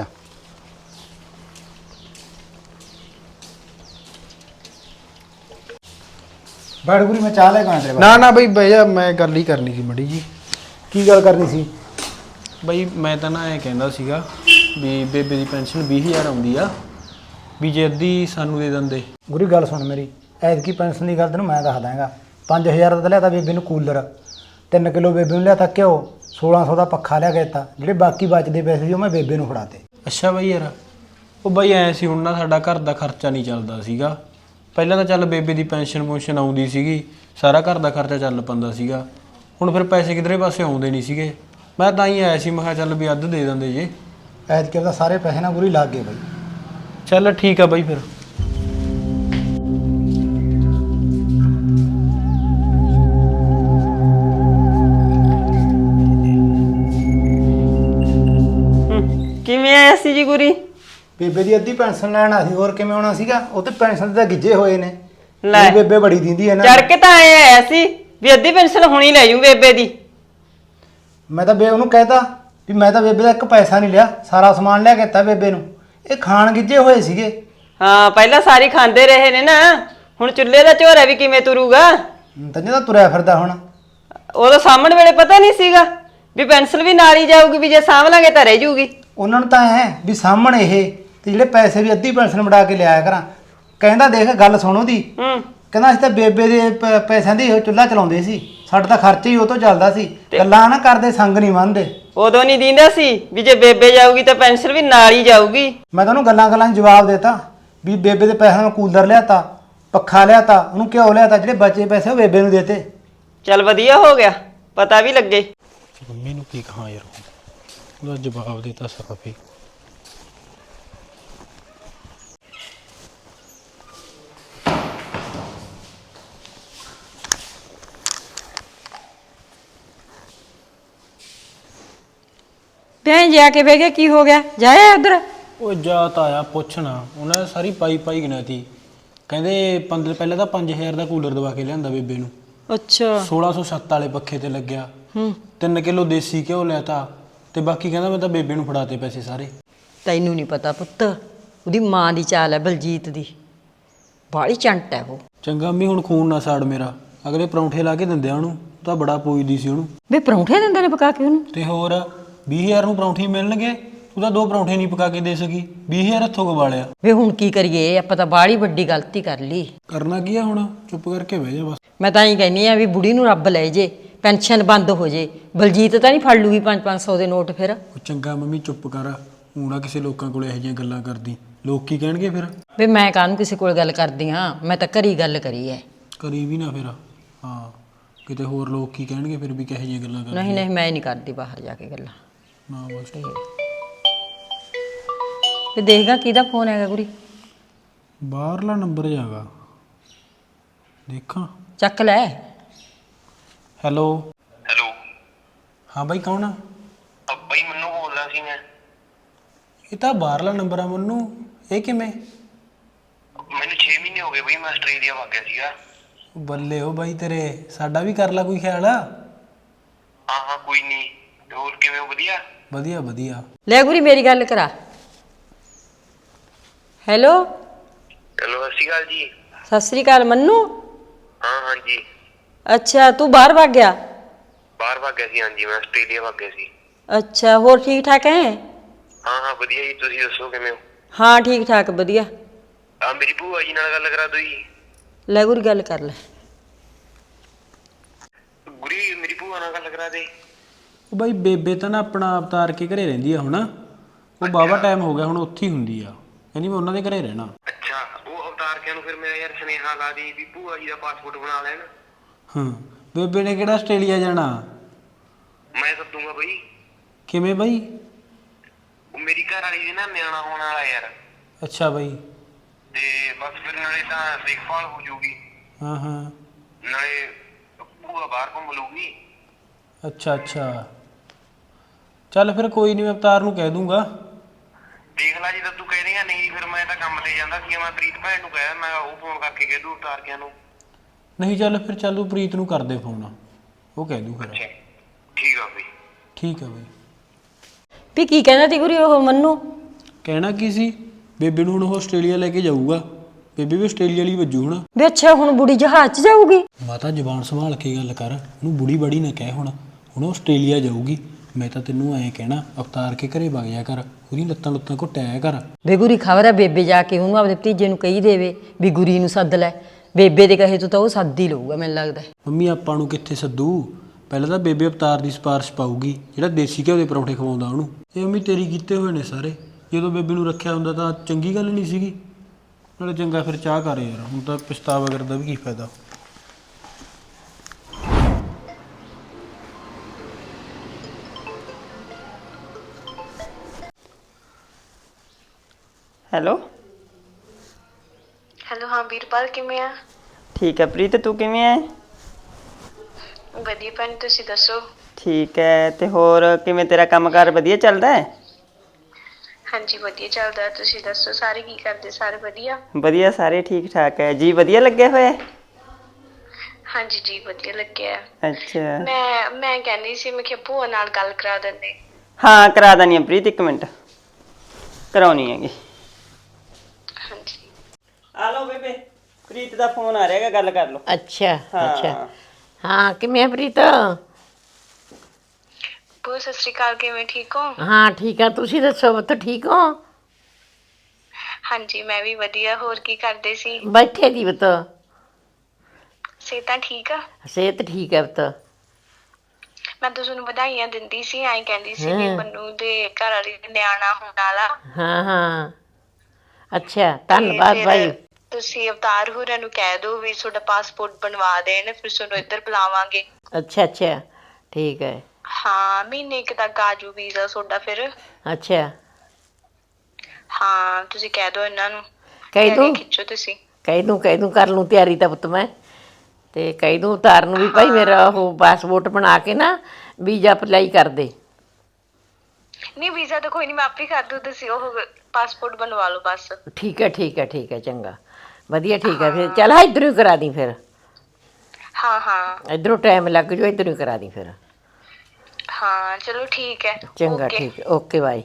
Speaker 6: ਬੈਠ ਗੁਰੀ, ਮੈਂ ਚਾਹ ਲੈ ਕੇ ਆਇਆ ਤੇਰੇ
Speaker 4: ਨਾ ਨਾ ਬਈ ਬਈ ਮੈਂ ਗੱਲ ਹੀ ਕਰਨੀ ਸੀ ਮੜੀ ਜੀ।
Speaker 6: ਕੀ ਗੱਲ ਕਰਨੀ ਸੀ?
Speaker 4: ਬਈ ਮੈਂ ਤਾਂ ਨਾ ਐਂ ਕਹਿੰਦਾ ਸੀਗਾ ਵੀ ਬੇਬੇ ਦੀ ਪੈਨਸ਼ਨ 20,000 ਆਉਂਦੀ ਆ, ਵੀ ਜੇ ਅੱਧੀ ਸਾਨੂੰ ਦੇ ਦਿੰਦੇ।
Speaker 6: ਗੁਰੀ ਗੱਲ ਸੁਣ ਮੇਰੀ, ਐਤਕੀ ਪੈਨਸ਼ਨ ਦੀ ਗੱਲ ਤੈਨੂੰ ਮੈਂ ਦੱਸ ਦਾਂਗਾ। 5,000 ਦਾ ਤਾਂ ਲਿਆਤਾ ਬੇਬੇ ਨੂੰ ਕੂਲਰ, 3 ਕਿਲੋ ਬੇਬੇ ਨੂੰ ਲਿਆਤਾ ਘਿਓ, 1600 ਦਾ ਪੱਖਾ ਲਿਆ ਕੇ ਦਿੱਤਾ। ਜਿਹੜੇ ਬਾਕੀ ਬਚਦੇ ਪੈਸੇ ਸੀ ਉਹ ਮੈਂ ਬੇਬੇ ਨੂੰ ਫੜਾਤੇ।
Speaker 4: ਅੱਛਾ ਬਾਈ ਯਾਰ, ਉਹ ਬਾਈ ਐ ਸੀ ਹੁਣ ਨਾ ਸਾਡਾ ਘਰ ਦਾ ਖਰਚਾ ਨਹੀਂ ਚੱਲਦਾ ਸੀਗਾ। ਪਹਿਲਾਂ ਤਾਂ ਚੱਲ ਬੇਬੇ ਦੀ ਪੈਨਸ਼ਨ ਆਉਂਦੀ ਸੀਗੀ, ਸਾਰਾ ਘਰ ਦਾ ਖਰਚਾ ਚੱਲ ਪੈਂਦਾ ਸੀਗਾ। ਹੁਣ ਫਿਰ ਪੈਸੇ ਕਿਧਰੇ ਪਾਸੇ ਆਉਂਦੇ ਨਹੀਂ ਸੀਗੇ। ਮੈਂ ਤਾਂ ਹੀ ਆਇਆ ਸੀ, ਮੈਂ ਕਿਹਾ ਚੱਲ ਵੀ ਅੱਧ ਦੇ ਦਿੰਦੇ ਜੇ।
Speaker 6: ਐਤਕੀ ਉਹਦਾ ਸਾਰੇ ਪੈਸੇ ਨਾ ਗੁਰੀ ਲੱਗ ਗਏ ਬਾਈ।
Speaker 4: ਚੱਲ ਠੀਕ ਆ ਬਾਈ ਫਿਰ।
Speaker 8: ਕਿਵੇਂ ਆਇਆ ਸੀ ਜੀ ਗੁਰੀ?
Speaker 6: ਬੇਬੇ ਦੀ ਅੱਧੀ ਪੈਨਸ਼ਨ ਲੈਣ ਆ ਸੀ, ਹੋਰ ਕਿਵੇਂ ਆਉਣਾ ਸੀਗਾ? ਉਹ ਤੇ ਪੈਨਸ਼ਨ ਤੇ ਤਾਂ ਗਿੱਜੇ ਹੋਏ ਨੇ।
Speaker 8: ਲੈ।
Speaker 6: ਮੇਰੀ ਬੇਬੇ ਬੜੀ ਦਿੰਦੀ ਹੈ ਨਾ।
Speaker 8: ਚੜ ਕੇ ਤਾਂ ਆਇਆ ਸੀ ਵੀ ਅੱਧੀ ਪੈਨਸ਼ਨ ਹੁਣੀ ਲੈ ਜੂ ਬੇਬੇ ਦੀ।
Speaker 6: ਮੈਂ ਤਾਂ ਉਹਨੂੰ ਕਹਿਤਾ ਵੀ ਮੈਂ ਤਾਂ ਬੇਬੇ ਦਾ ਇੱਕ ਪੈਸਾ ਨਹੀਂ ਲਿਆ, ਸਾਰਾ ਸਮਾਨ ਲਿਆ ਕੇ ਦਿੱਤਾ ਬੇਬੇ ਨੂੰ। ਇਹ ਖਾਣ ਗਿੱਜੇ ਹੋਏ ਸੀਗੇ।
Speaker 8: ਹਾਂ ਪਹਿਲਾਂ ਸਾਰੀ ਖਾਂਦੇ ਰਹੇ ਨੇ ਨਾ, ਹੁਣ ਚੁੱਲ੍ਹੇ ਦਾ ਝੋਰਾ ਵੀ ਕਿਵੇਂ ਤੁਰੂਗਾ?
Speaker 6: ਤੰਨੇ ਤਾਂ ਤੁਰਿਆ ਫਿਰਦਾ ਹੁਣ।
Speaker 8: ਉਦੋਂ ਸਾਹਮਣ ਵੇਲੇ ਪਤਾ ਨਹੀਂ ਸੀਗਾ ਵੀ ਪੈਨਸ਼ਨ ਵੀ ਨਾਲ ਹੀ ਜਾਊਗੀ, ਵੀ ਜੇ ਸਾਂਭ ਲਾਂਗੇ ਤਾਂ ਰਹਿ ਜੂਗੀ।
Speaker 6: ਉਹਨਾਂ ਨੂੰ ਤਾਂ ਹੈ ਵੀ ਸਾਹਮਣੇ ਇਹ ਤੇ ਜਿਹੜੇ ਪੈਸੇ ਵੀ ਅੱਧੀ ਪੈਨਸ਼ਨ ਵੜਾ ਕੇ ਲਿਆਇਆ ਕਰਾਂ। ਕਹਿੰਦਾ ਦੇਖ ਗੱਲ ਸੁਣੋ ਦੀ, ਕਹਿੰਦਾ ਅਸੀਂ ਤਾਂ ਬੇਬੇ ਦੇ ਪੈਸਿਆਂ ਦੀ ਉਹ ਚੁੱਲ੍ਹਾ ਚਲਾਉਂਦੇ ਸੀ, ਸਾਡਾ ਤਾਂ ਖਰਚਾ ਹੀ ਉਹ ਤੋਂ ਚੱਲਦਾ ਸੀ। ਗੱਲਾਂ ਨਾ ਕਰਦੇ, ਸੰਗ ਨਹੀਂ ਮੰਨਦੇ।
Speaker 8: ਉਦੋਂ ਨਹੀਂ ਦਿੰਦਾ ਸੀ ਵੀ ਜੇ ਬੇਬੇ ਜਾਊਗੀ ਤਾਂ ਪੈਨਸ਼ਨ ਵੀ ਨਾਲ ਹੀ ਜਾਊਗੀ।
Speaker 6: ਮੈਂ ਤਾਂ ਉਹਨੂੰ ਗੱਲਾਂ 'ਚ ਜਵਾਬ ਦੇਤਾ ਵੀ ਬੇਬੇ ਦੇ ਪੈਸਿਆਂ ਨੂੰ ਕੂਲਰ ਲਿਆਤਾ, ਪੱਖਾ ਲਿਆਤਾ, ਉਹਨੂੰ ਘਿਓ ਲਿਆਤਾ, ਜਿਹੜੇ ਬਚੇ ਪੈਸੇ ਉਹ ਬੇਬੇ ਨੂੰ ਦੇਤੇ।
Speaker 8: ਚੱਲ ਵਧੀਆ ਹੋ ਗਿਆ, ਪਤਾ ਵੀ ਲੱਗੇ।
Speaker 4: ਮੰਮੀ ਨੂੰ ਕੀ ਕਹਾਂ ਯਾਰ, ਉਹਦਾ ਜਵਾਬ ਦੇਤਾ ਸਾਫ ਹੀ।
Speaker 3: ਭੈਣ ਜਾ ਕੇ ਬਹਿ ਗਿਆ, ਕੀ ਹੋ ਗਿਆ? ਜਾਇਆ ਉਧਰ?
Speaker 4: ਉਹ ਜਾ ਤਾਂ ਆਇਆ ਪੁੱਛਣਾ, ਉਹਨਾਂ ਨੇ ਸਾਰੀ ਪਾਈ ਗਿਣਾਤੀ। ਕਹਿੰਦੇ ਪਹਿਲਾਂ ਤਾਂ 5,000 ਦਾ ਕੂਲਰ ਦਵਾ ਕੇ ਲਿਆਂਦਾ ਬੇਬੇ ਨੂੰ।
Speaker 3: ਅੱਛਾ।
Speaker 4: 1607 ਵਾਲੇ ਪੱਖੇ ਤੇ ਲੱਗਿਆ। 3 ਕਿਲੋ ਦੇਸੀ ਘਿਓ ਲੈਤਾ ਤੇ ਬਾਕੀ ਕਹਿੰਦਾ ਮੈਂ ਤਾਂ ਬੇਬੇ ਨੂੰ ਫੜਾਤੇ ਪੈਸੇ ਸਾਰੇ।
Speaker 3: ਤੈਨੂੰ ਨਹੀਂ ਪਤਾ ਪੁੱਤ, ਉਹਦੀ ਮਾਂ ਦੀ ਚਾਲ ਹੈ ਬਲਜੀਤ ਦੀ, ਬਾਹਲੀ ਚੰਟ ਹੈ ਉਹ।
Speaker 4: ਚੰਗਾ ਅੰਮੀ, ਹੁਣ ਖੂਨ ਨਾ ਸਾੜ ਮੇਰਾ। ਅਗਲੇ ਪਰੌਂਠੇ ਲਾ ਕੇ ਦਿੰਦੇ ਆ ਉਹਨੂੰ, ਤਾਂ ਬੜਾ ਪੋਈਦੀ ਸੀ ਉਹਨੂੰ।
Speaker 3: ਵੇ ਪਰੌਂਠੇ ਦਿੰਦੇ ਨੇ ਪਕਾ ਕੇ ਉਹਨੂੰ?
Speaker 4: ਤੇ ਹੋਰ 20,000 ਨੂੰ ਪਰੌਂਠੇ ਮਿਲਣਗੇ, ਤੂੰ ਤਾਂ 2 ਪਰੌਂਠੇ ਨਹੀਂ ਪਕਾ ਕੇ ਦੇ ਸਕੀ। 20,000 ਹੱਥੋਂ ਗਵਾ ਲਿਆ।
Speaker 3: ਵੇ ਹੁਣ ਕੀ ਕਰੀਏ, ਆਪਾਂ ਤਾਂ ਬਾਹਲੀ ਵੱਡੀ ਗਲਤੀ ਕਰ ਲਈ।
Speaker 4: ਕਰਨਾ ਕੀ ਆ ਹੁਣ, ਚੁੱਪ ਕਰਕੇ ਬਹਿ ਜਾ ਬਸ।
Speaker 3: ਮੈਂ ਤਾਂ ਹੀ ਕਹਿੰਦੀ ਆ ਵੀ ਬੁੜੀ ਨੂੰ ਰੱਬ ਲੈ ਜੇ, ਪੈਨਸ਼ਨ ਬੰਦ ਹੋ ਜੇ। ਬਲਜੀਤ ਤਾਂ ਨਹੀਂ ਫੜ ਲੂਗੀ 500 ਦੇ ਨੋਟ ਫਿਰ?
Speaker 4: ਉਹ ਚੰਗਾ ਮੰਮੀ ਚੁੱਪ ਕਰ, ਊਣਾ ਕਿਸੇ ਲੋਕਾਂ ਕੋਲ ਇਹੋ ਜਿਹੀਆਂ ਗੱਲਾਂ ਕਰਦੀ। ਲੋਕ ਕੀ ਕਹਿਣਗੇ ਫਿਰ?
Speaker 3: ਵੇ ਮੈਂ ਕਾਹਨੂੰ ਕਿਸੇ ਕੋਲ ਗੱਲ ਕਰਦੀ ਹਾਂ, ਮੈਂ ਤਾਂ ਘਰੀ ਗੱਲ ਕਰੀ ਐ।
Speaker 4: ਕਰੀ ਵੀ ਨਾ ਫਿਰ, ਹਾਂ ਕਿਤੇ ਹੋਰ ਲੋਕ ਕੀ ਕਹਿਣਗੇ ਫਿਰ ਵੀ ਕਿਹੋ ਜਿਹੀਆਂ ਗੱਲਾਂ ਕਰਦੀ।
Speaker 3: ਨਹੀਂ ਨਹੀਂ, ਮੈਂ ਨਹੀਂ ਕਰਦੀ ਬਾਹਰ ਜਾ ਕੇ ਗੱਲਾਂ।
Speaker 4: ਨਾ ਬਸ।
Speaker 3: ਤੇ ਦੇਖਗਾ ਕਿਹਦਾ ਫੋਨ ਹੈਗਾ ਗੁਰੀ?
Speaker 4: ਬਾਹਰਲਾ ਨੰਬਰ ਜਾਗਾ, ਦੇਖਾਂ।
Speaker 3: ਚੱਕ ਲੈ।
Speaker 4: ਹੈਲੋ।
Speaker 9: ਹੈਲੋ।
Speaker 4: ਹਾਂ ਬਾਈ, ਕੌਣ ਆ?
Speaker 9: ਬਾਈ ਮੈਨੂੰ ਬੋਲਦਾ ਸੀ ਮੈਂ।
Speaker 4: ਇਹ ਤਾਂ ਬਾਹਰਲਾ ਨੰਬਰ ਆ ਮੰਨੂ, ਇਹ ਕਿਵੇਂ?
Speaker 9: ਮੈਨੂੰ 6 ਮਹੀਨੇ ਹੋ ਗਏ ਬਈ, ਮੈਂ ਆਸਟ੍ਰੇਲੀਆ ਵਗ ਗਿਆ ਸੀਗਾ।
Speaker 4: ਬੱਲੇ ਹੋ ਬਾਈ ਤੇਰੇ, ਸਾਡਾ ਵੀ ਕਰ ਲਾ ਕੋਈ ਖਿਆਲ ਆ।
Speaker 9: ਹਾਂ ਕੋਈ ਨਹੀਂ। ਹੋਰ ਕਿਵੇਂ ਹੋ? ਵਧੀਆ
Speaker 4: ਵਧੀਆ ਵਧੀਆ।
Speaker 3: ਲੈ ਗੁਰੀ ਮੇਰੀ ਗੱਲ ਕਰਾ। ਹੈਲੋ।
Speaker 9: ਚਲੋ ਸਤਿ ਸ਼੍ਰੀ ਅਕਾਲ ਜੀ।
Speaker 3: ਸਤਿ ਸ੍ਰੀ ਅਕਾਲ ਮੰਨੂ।
Speaker 9: ਹਾਂਜੀ।
Speaker 3: ਅੱਛਾ ਤੂੰ ਬਾਹਰ ਵਗ ਗਿਆ?
Speaker 9: ਬਾਹਰ ਵਗ ਗਿਆ ਸੀ, ਹਾਂਜੀ ਮੈਂ ਆਸਟ੍ਰੇਲੀਆ ਵਗ ਗਿਆ ਸੀ।
Speaker 3: ਅੱਛਾ ਹੋਰ ਠੀਕ ਠਾਕ ਹੈ?
Speaker 9: ਹਾਂ ਵਧੀਆ ਜੀ, ਤੁਸੀਂ ਦੱਸੋ ਕਿਵੇਂ ਹੋ?
Speaker 3: ਹਾਂ ਠੀਕ ਠਾਕ ਵਧੀਆ।
Speaker 9: ਆ ਮੇਰੀ ਭੂਆ ਜੀ ਨਾਲ ਗੱਲ ਕਰਾ ਦਿਓ ਜੀ।
Speaker 3: ਲੈ ਗੁਰੀ ਗੱਲ ਕਰ ਲੈ।
Speaker 9: ਗੁਰੀ ਮੇਰੀ ਭੂਆ ਨਾਲ ਗੱਲ ਕਰਾ ਦੇ।
Speaker 4: ਉਹ ਬਾਈ ਬੇਬੇ ਤਾਂ ਨਾ ਆਪਣਾ ਅਵਤਾਰ ਕੇ ਘਰੇ ਰਹਿੰਦੀ ਆ ਹੁਣ, ਉਹ ਬਾਵਾ ਟਾਈਮ ਹੋ ਗਿਆ ਹੁਣ ਉੱਥੇ ਹੀ ਹੁੰਦੀ ਆ, ਕਹਿੰਦੀ ਮੈਂ ਉਹਨਾਂ ਦੇ ਘਰੇ ਰਹਿਣਾ।
Speaker 9: ਅੱਛਾ ਉਹ ਅਵਤਾਰ ਕਿਆਂ ਨੂੰ ਫਿਰ ਮੇਰਾ ਯਾਰ ਸੁਨੇਹਾ ਲਾ ਦੀ ਵੀ ਭੂਆ ਜੀ ਦਾ ਪਾਸਪੋਰਟ ਬਣਾ ਲੈਣ।
Speaker 4: ਹਾਂ ਬੇਬੇ ਨੇ ਕਿਹੜਾ ਆਸਟ੍ਰੇਲੀਆ ਜਾਣਾ?
Speaker 9: ਮੈਂ ਸੱਦੂਗਾ ਬਈ।
Speaker 4: ਕਿਵੇਂ ਬਾਈ?
Speaker 9: ਉਹ ਮੇਰੀ ਘਰ ਵਾਲੀ ਦੇ ਨਾ ਨਿਆਣਾ ਹੋਣ ਵਾਲਾ ਯਾਰ।
Speaker 4: ਅੱਛਾ ਬਾਈ।
Speaker 9: ਤੇ ਬਸ ਫਿਰ ਨਾਲੇ ਤਾਂ ਦੇਖਭਾਲ ਹੋ ਜਾਊਗੀ,
Speaker 4: ਹਾਂ
Speaker 9: ਨਾਲੇ ਭੂਆ ਬਾਹਰ ਘੁੰਮ ਲੂਗੀ।
Speaker 4: ਅੱਛਾ ਚੱਲ ਫਿਰ ਕੋਈ ਨਹੀਂ, ਮੈਂ ਅਵਤਾਰ ਨੂੰ ਕਹਿ ਦੂੰਗਾ।
Speaker 9: ਦੇਖ ਲੈ, ਜਦੋਂ ਤੂੰ ਕਹਿ ਰਹੀ ਆ ਨਹੀਂ ਫਿਰ ਮੈਂ ਤਾਂ ਕੰਮ ਤੇ ਜਾਂਦਾ ਸੀ, ਮੈਂ ਪ੍ਰੀਤ ਭੈਣ ਨੂੰ ਕਹਿਆ, ਮੈਂ ਉਹ ਫੋਨ ਕਰਕੇ ਕਹਿ ਦੂ ਅਵਤਾਰ ਕਿਆਂ ਨੂੰ।
Speaker 4: ਨਹੀਂ ਚੱਲ ਫਿਰ, ਚੱਲ ਤੂੰ ਪ੍ਰੀਤ ਨੂੰ ਕਰ ਦੇ ਫੋਨ, ਉਹ ਕਹਿ ਦੂ ਫਿਰ।
Speaker 9: ਠੀਕ ਆ ਬਈ।
Speaker 4: ਠੀਕ ਆ ਬਈ।
Speaker 3: ਵੀ ਕੀ ਕਹਿੰਦਾ ਤੀ ਗੁਰੀ ਉਹ ਮੰਨੂ?
Speaker 4: ਕਹਿਣਾ ਕੀ ਸੀ, ਬੇਬੇ ਨੂੰ ਹੁਣ ਉਹ ਆਸਟ੍ਰੇਲੀਆ ਲੈ ਕੇ ਜਾਊਗਾ, ਬੇਬੇ ਵੀ ਆਸਟ੍ਰੇਲੀਆ ਲਈ ਵੱਜੂ ਹੁਣ।
Speaker 3: ਵੀ ਅੱਛਾ ਹੁਣ ਬੁੜੀ ਜਹਾਜ਼ 'ਚ ਜਾਊਗੀ?
Speaker 4: ਮਾਤਾ ਜ਼ਬਾਨ ਸੰਭਾਲ ਕੇ ਗੱਲ ਕਰ, ਉਹਨੂੰ ਬੁੜੀ ਬੜੀ ਨਾ ਕਹਿ। ਹੁਣ ਉਹ ਆਸਟ੍ਰੇਲੀਆ ਜਾਊਗੀ, ਮੈਂ ਤਾਂ ਤੈਨੂੰ ਐਂ ਕਹਿਣਾ ਅਵਤਾਰ ਕੇ ਘਰੇ ਵਗ ਜਾ ਕਰ, ਉਹਦੀ ਲੱਤਾਂ ਲੁੱਤਾਂ ਘੁੱਟਿਆ ਕਰ।
Speaker 3: ਵੇ ਗੁਰੀ ਖਬਰ ਹੈ ਬੇਬੇ ਜਾ ਕੇ ਉਹਨੂੰ ਆਪਦੇ ਭਤੀਜੇ ਨੂੰ ਕਹੀ ਦੇਵੇ ਵੀ ਗੁਰੀ ਨੂੰ ਸੱਦ ਲੈ। ਬੇਬੇ ਦੇ ਕਹੇ ਤੋਂ ਤਾਂ ਉਹ ਸੱਦ ਹੀ ਲਊਗਾ ਮੈਨੂੰ ਲੱਗਦਾ।
Speaker 4: ਮੰਮੀ ਆਪਾਂ ਨੂੰ ਕਿੱਥੇ ਸੱਦੂ, ਪਹਿਲਾਂ ਤਾਂ ਬੇਬੇ ਅਵਤਾਰ ਦੀ ਸਿਫਾਰਿਸ਼ ਪਾਊਗੀ ਜਿਹੜਾ ਦੇਸੀ ਘਿਓ ਦੇ ਪਰੌਂਠੇ ਖਵਾਉਂਦਾ ਉਹਨੂੰ। ਇਹ ਮੰਮੀ ਤੇਰੀ ਕੀਤੇ ਹੋਏ ਨੇ ਸਾਰੇ, ਜਦੋਂ ਬੇਬੇ ਨੂੰ ਰੱਖਿਆ ਹੁੰਦਾ ਤਾਂ ਚੰਗੀ ਗੱਲ ਨਹੀਂ ਸੀਗੀ। ਨਾਲੇ ਚੰਗਾ ਫਿਰ ਚਾਹ ਕਰ ਯਾਰ, ਹੁਣ ਤਾਂ ਪਛਤਾਵਾ ਕਰਦਾ ਵੀ ਕੀ ਫਾਇਦਾ।
Speaker 8: ਹੈਲੋ
Speaker 1: ਹੈਲੋ ਹਾਂ ਵੀਰਪਾਲ ਕਿਵੇਂ ਆ?
Speaker 8: ਠੀਕ ਹੈ ਪ੍ਰੀਤ, ਤੂੰ ਕਿਵੇਂ ਹੈ?
Speaker 1: ਵਧੀਆ ਭੈਣ, ਤੁਸੀਂ ਦੱਸੋ?
Speaker 8: ਠੀਕ ਹੈ, ਤੇ ਹੋਰ ਕਿਵੇਂ ਤੇਰਾ ਕੰਮਕਾਰ ਵਧੀਆ ਚੱਲਦਾ ਹੈ?
Speaker 1: ਹਾਂਜੀ ਵਧੀਆ ਚੱਲਦਾ, ਤੁਸੀਂ ਦੱਸੋ ਸਾਰੇ ਕੀ ਕਰਦੇ? ਸਾਰੇ ਵਧੀਆ?
Speaker 8: ਵਧੀਆ, ਸਾਰੇ ਠੀਕ ਠਾਕ ਹੈ ਜੀ। ਵਧੀਆ ਲੱਗਿਆ ਹੋਇਆ?
Speaker 1: ਹਾਂਜੀ ਜੀ ਵਧੀਆ ਲੱਗਿਆ।
Speaker 8: ਅੱਛਾ,
Speaker 1: ਮੈਂ ਕਹਿੰਦੀ ਸੀ ਮੈਂ ਕਿਹਾ ਭੂਆ ਨਾਲ ਗੱਲ ਕਰਾ ਦਿੰਦੇ।
Speaker 8: ਹਾਂ ਕਰਾ ਦਾਨੀ ਆ ਪ੍ਰੀਤ, ਇੱਕ ਮਿੰਟ ਕਰਾਉਣੀ ਹੈਗੀ।
Speaker 1: ਹਾਂਜੀ
Speaker 8: ਆ ਲਓ ਬੇਬੇ, ਪ੍ਰੀਤ ਦਾ ਫੋਨ ਆ ਰਿਹਾ ਹੈਗਾ, ਗੱਲ ਕਰ ਲਓ।
Speaker 2: ਅੱਛਾ
Speaker 8: ਹਾਂ।
Speaker 2: ਅੱਛਾ ਹਾਂ, ਕਿਵੇਂ ਆ ਪ੍ਰੀਤ?
Speaker 1: ਭੂਆ ਸਤਿ ਸ਼੍ਰੀ ਅਕਾਲ, ਕਿਵੇਂ ਠੀਕ ਹੋ?
Speaker 2: ਹਾਂ ਠੀਕ ਆ, ਤੁਸੀਂ ਦੱਸੋ ਪੁੱਤ ਠੀਕ ਹੋ?
Speaker 1: ਹਾਂਜੀ ਮੈਂ ਵੀ ਵਧੀਆ, ਹੋਰ ਕੀ ਕਰਦੇ ਸੀ?
Speaker 2: ਬੈਠੇ ਦੀ ਪੁੱਤ,
Speaker 1: ਸਿਹਤਾਂ ਠੀਕ ਆ?
Speaker 2: ਸਿਹਤ ਠੀਕ ਹੈ ਪੁੱਤ।
Speaker 1: ਮੈਂ ਤਾਂ ਤੁਹਾਨੂੰ ਵਧਾਈਆਂ ਦਿੰਦੀ ਸੀ, ਐਂ ਕਹਿੰਦੀ ਸੀ ਵੀ ਮੰਨੂ ਦੇ ਘਰ ਵਾਲੀ ਦਾ ਨਿਆਣਾ ਹੋਣ ਵਾਲਾ।
Speaker 2: ਹਾਂ ਹਾਂ ਅੱਛਾ, ਧੰਨਵਾਦ
Speaker 1: ਤੇ
Speaker 2: ਭਾਈ।
Speaker 1: ਫਿਰ ਤੁਸੀਂ ਅਵਤਾਰ ਹੋਰਾਂ ਨੂੰ ਕਹਿ ਦਿਓ ਵੀ ਤੁਹਾਡਾ ਪਾਸਪੋਰਟ ਬਣਵਾ ਦੇਣ, ਫਿਰ ਤੁਹਾਨੂੰ ਇੱਧਰ ਬੁਲਾਵਾਂਗੇ।
Speaker 2: ਅੱਛਾ ਅੱਛਾ ਠੀਕ ਹੈ।
Speaker 1: ਹਾਂ ਮਹੀਨੇ ਕੁ ਤੱਕ ਆ ਜੂ ਵੀਜ਼ਾ ਤੁਹਾਡਾ ਫਿਰ।
Speaker 2: ਅੱਛਾ
Speaker 1: ਹਾਂ ਤੁਸੀਂ ਕਹਿ ਦਿਓ ਇਹਨਾਂ ਨੂੰ,
Speaker 2: ਕਹਿ ਦੂੰ
Speaker 1: ਖਿੱਚੋ ਤੁਸੀਂ।
Speaker 2: ਕਹਿ ਦੂੰ ਕਰ ਲੂੰ ਤਿਆਰੀ ਤਾਂ ਪੁੱਤ ਮੈਂ, ਤੇ ਕਹਿ ਦੂੰ ਉਤਾਰ ਨੂੰ ਵੀ ਭਾਈ ਮੇਰਾ ਉਹ ਪਾਸਪੋਰਟ ਬਣਾ ਕੇ ਨਾ ਵੀਜ਼ਾ ਅਪਲਾਈ ਕਰ ਦੇ।
Speaker 1: ਨਹੀਂ ਵੀਜ਼ਾ ਤਾਂ ਕੋਈ ਨਹੀਂ, ਮੈਂ ਆਪੇ ਕਰ ਦੂੰ, ਤੁਸੀਂ ਉਹ ਪਾਸਪੋਰਟ ਬਣਵਾ ਲਓ ਬਸ।
Speaker 2: ਠੀਕ ਹੈ ਠੀਕ ਹੈ ਠੀਕ ਹੈ, ਚੰਗਾ ਵਧੀਆ ਠੀਕ ਹੈ। ਫਿਰ ਚੱਲ ਇੱਧਰੋਂ ਹੀ ਕਰਾ ਦੀ ਫਿਰ,
Speaker 1: ਹਾਂ ਹਾਂ
Speaker 2: ਇੱਧਰੋਂ ਟਾਈਮ ਲੱਗ ਜਾਓ, ਇੱਧਰੋਂ ਹੀ ਕਰਾ ਦੀ ਫਿਰ।
Speaker 1: ਹਾਂ ਚਲੋ ਠੀਕ ਹੈ,
Speaker 2: ਚੰਗਾ
Speaker 1: ਓਕੇ।
Speaker 2: ਠੀਕ ਹੈ, ਓਕੇ ਬਾਈ।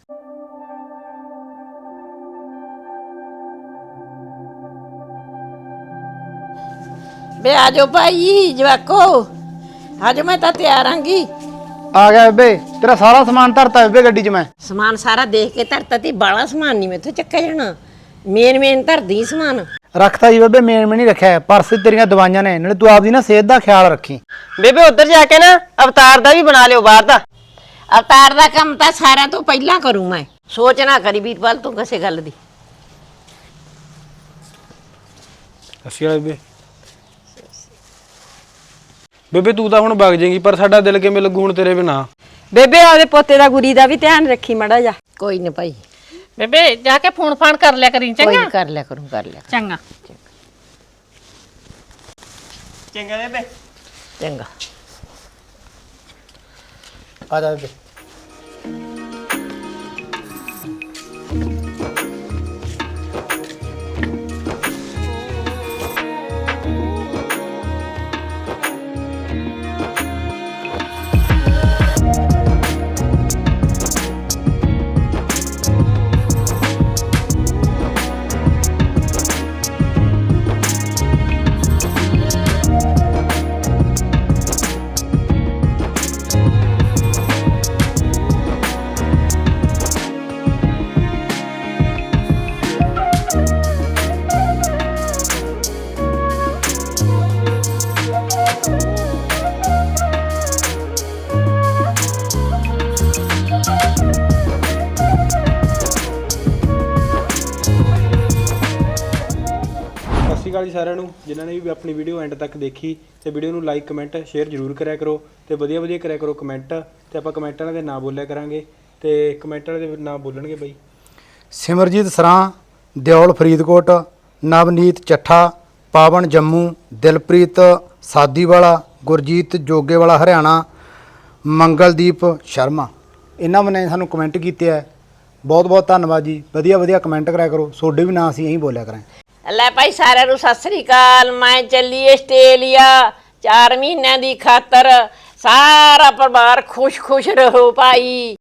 Speaker 2: ਬੇ ਆ ਜਾਓ ਭਾਈ ਜਵਾਕੋ, ਆ ਜਾਓ, ਮੈਂ ਤਾਂ ਤਿਆਰ ਆਂਗੀ।
Speaker 6: ਆ ਗਿਆ ਬੇਬੇ, ਤੇਰਾ ਸਾਰਾ ਸਮਾਨ ਧਰਤਾ ਬੇਬੇ ਗੱਡੀ 'ਚ ਮੈਂ।
Speaker 2: ਸਮਾਨ ਸਾਰਾ ਦੇਖ ਕੇ ਧਰਤਾ ਤੀ, ਬਾਲਾ ਸਮਾਨ ਨਹੀਂ ਮੈਥੋਂ ਚੱਕਿਆ ਜਾਣਾ, ਮੇਨ ਧਰਦੀ ਸਮਾਨ।
Speaker 6: ਰੱਖਤਾ ਜੀ ਬੇਬੇ, ਮੇਨ ਨਹੀਂ ਰੱਖਿਆ, ਪਰਸ ਤੇਰੀਆਂ ਦਵਾਈਆਂ ਨੇ, ਨਾਲੇ ਤੂੰ ਆਪਦੀ ਨਾ ਸਿਹਤ ਦਾ ਖਿਆਲ ਰੱਖੀ।
Speaker 8: ਬੇਬੇ ਉੱਧਰ ਜਾ ਕੇ ਨਾ ਅਵਤਾਰ ਦਾ ਵੀ ਬਣਾ ਲਿਓ ਬਾਹਰ ਦਾ।
Speaker 2: ਅਵਤਾਰ ਦਾ ਕੰਮ ਤਾਂ ਸਾਰਿਆਂ ਤੋਂ ਪਹਿਲਾਂ ਕਰੂੰ ਮੈਂ, ਸੋਚ ਨਾ ਕਰੀ ਵੀਰਪਾਲ ਤੂੰ ਕਿਸੇ ਗੱਲ ਦੀ।
Speaker 4: ਅਸੀਂ ਵਾਲੇ ਬੇਬੇ, ਬੇਬੇ ਤੂੰ ਤਾਂ ਹੁਣ ਵਗ ਜਾਏਂਗੀ, ਪਰ ਸਾਡਾ ਦਿਲ ਕਿਵੇਂ ਲੱਗੂ ਹੁਣ ਤੇਰੇ ਬਿਨਾ?
Speaker 3: ਬੇਬੇ ਆਪਦੇ ਪੋਤੇ ਦਾ ਗੁਰੀ ਦਾ ਵੀ ਧਿਆਨ ਰੱਖੀ ਮਾੜਾ ਜਾ।
Speaker 2: ਕੋਈ ਨਾ ਭਾਈ,
Speaker 7: ਬੇਬੇ ਜਾ ਕੇ ਫੋਨ ਫਾਨ ਕਰ ਲਿਆ ਕਰੀ,
Speaker 2: ਕੋਈ
Speaker 7: ਚੰਗਾ?
Speaker 2: ਨੀ, ਕਰ ਲਿਆ ਕਰੂੰ
Speaker 7: ਚੰਗਾ
Speaker 8: ਚੰਗਾ ਬੇਬੇ।
Speaker 2: ਚੰਗਾ।
Speaker 6: ਆ ਜਾ ਬੇਬੇ।
Speaker 4: ਸਤਿ ਸ਼੍ਰੀ ਅਕਾਲ ਜੀ ਸਾਰਿਆਂ ਨੂੰ, ਜਿਨ੍ਹਾਂ ਨੇ ਵੀ ਆਪਣੀ ਵੀਡੀਓ ਐਂਡ ਤੱਕ ਦੇਖੀ, ਤੇ ਵੀਡੀਓ ਨੂੰ ਲਾਈਕ ਕਮੈਂਟ ਸ਼ੇਅਰ ਜ਼ਰੂਰ ਕਰਿਆ ਕਰੋ, ਤੇ ਵਧੀਆ ਵਧੀਆ ਕਰਿਆ ਕਰੋ ਕਮੈਂਟ, ਤੇ ਆਪਾਂ ਕਮੈਂਟ ਵਾਲਿਆਂ ਦੇ ਨਾਂ ਬੋਲਿਆ ਕਰਾਂਗੇ, ਤੇ ਕਮੈਂਟ ਵਾਲੇ ਦੇ ਨਾਂ ਬੋਲਣਗੇ ਬਾਈ।
Speaker 6: ਸਿਮਰਜੀਤ ਸਰਾਂ, ਦਿਓਲ ਫਰੀਦਕੋਟ, ਨਵਨੀਤ ਚੱਠਾ, ਪਾਵਨ ਜੰਮੂ, ਦਿਲਪ੍ਰੀਤ ਸਾਦੀਵਾਲਾ, ਗੁਰਜੀਤ ਜੋਗੇਵਾਲਾ ਹਰਿਆਣਾ, ਮੰਗਲਦੀਪ ਸ਼ਰਮਾ, ਇਹਨਾਂ ਨੇ ਸਾਨੂੰ ਕਮੈਂਟ ਕੀਤੇ ਹੈ। ਬਹੁਤ ਬਹੁਤ ਧੰਨਵਾਦ ਜੀ, ਵਧੀਆ ਵਧੀਆ ਕਮੈਂਟ ਕਰਿਆ ਕਰੋ, ਤੁਹਾਡੇ ਵੀ ਨਾਂ ਅਸੀਂ ਇਹੀ ਬੋਲਿਆ ਕਰਾਂ।
Speaker 2: ਲੈ ਭਾਈ ਸਾਰਿਆਂ ਨੂੰ ਸਤਿ ਸ੍ਰੀ ਅਕਾਲ। ਮੈਂ ਚੱਲੀ ਆਸਟ੍ਰੇਲੀਆ 4 ਮਹੀਨਿਆਂ ਦੀ ਖਾਤਰ। ਸਾਰਾ ਪਰਿਵਾਰ ਖੁਸ਼ ਖੁਸ਼ ਰਹੋ ਭਾਈ।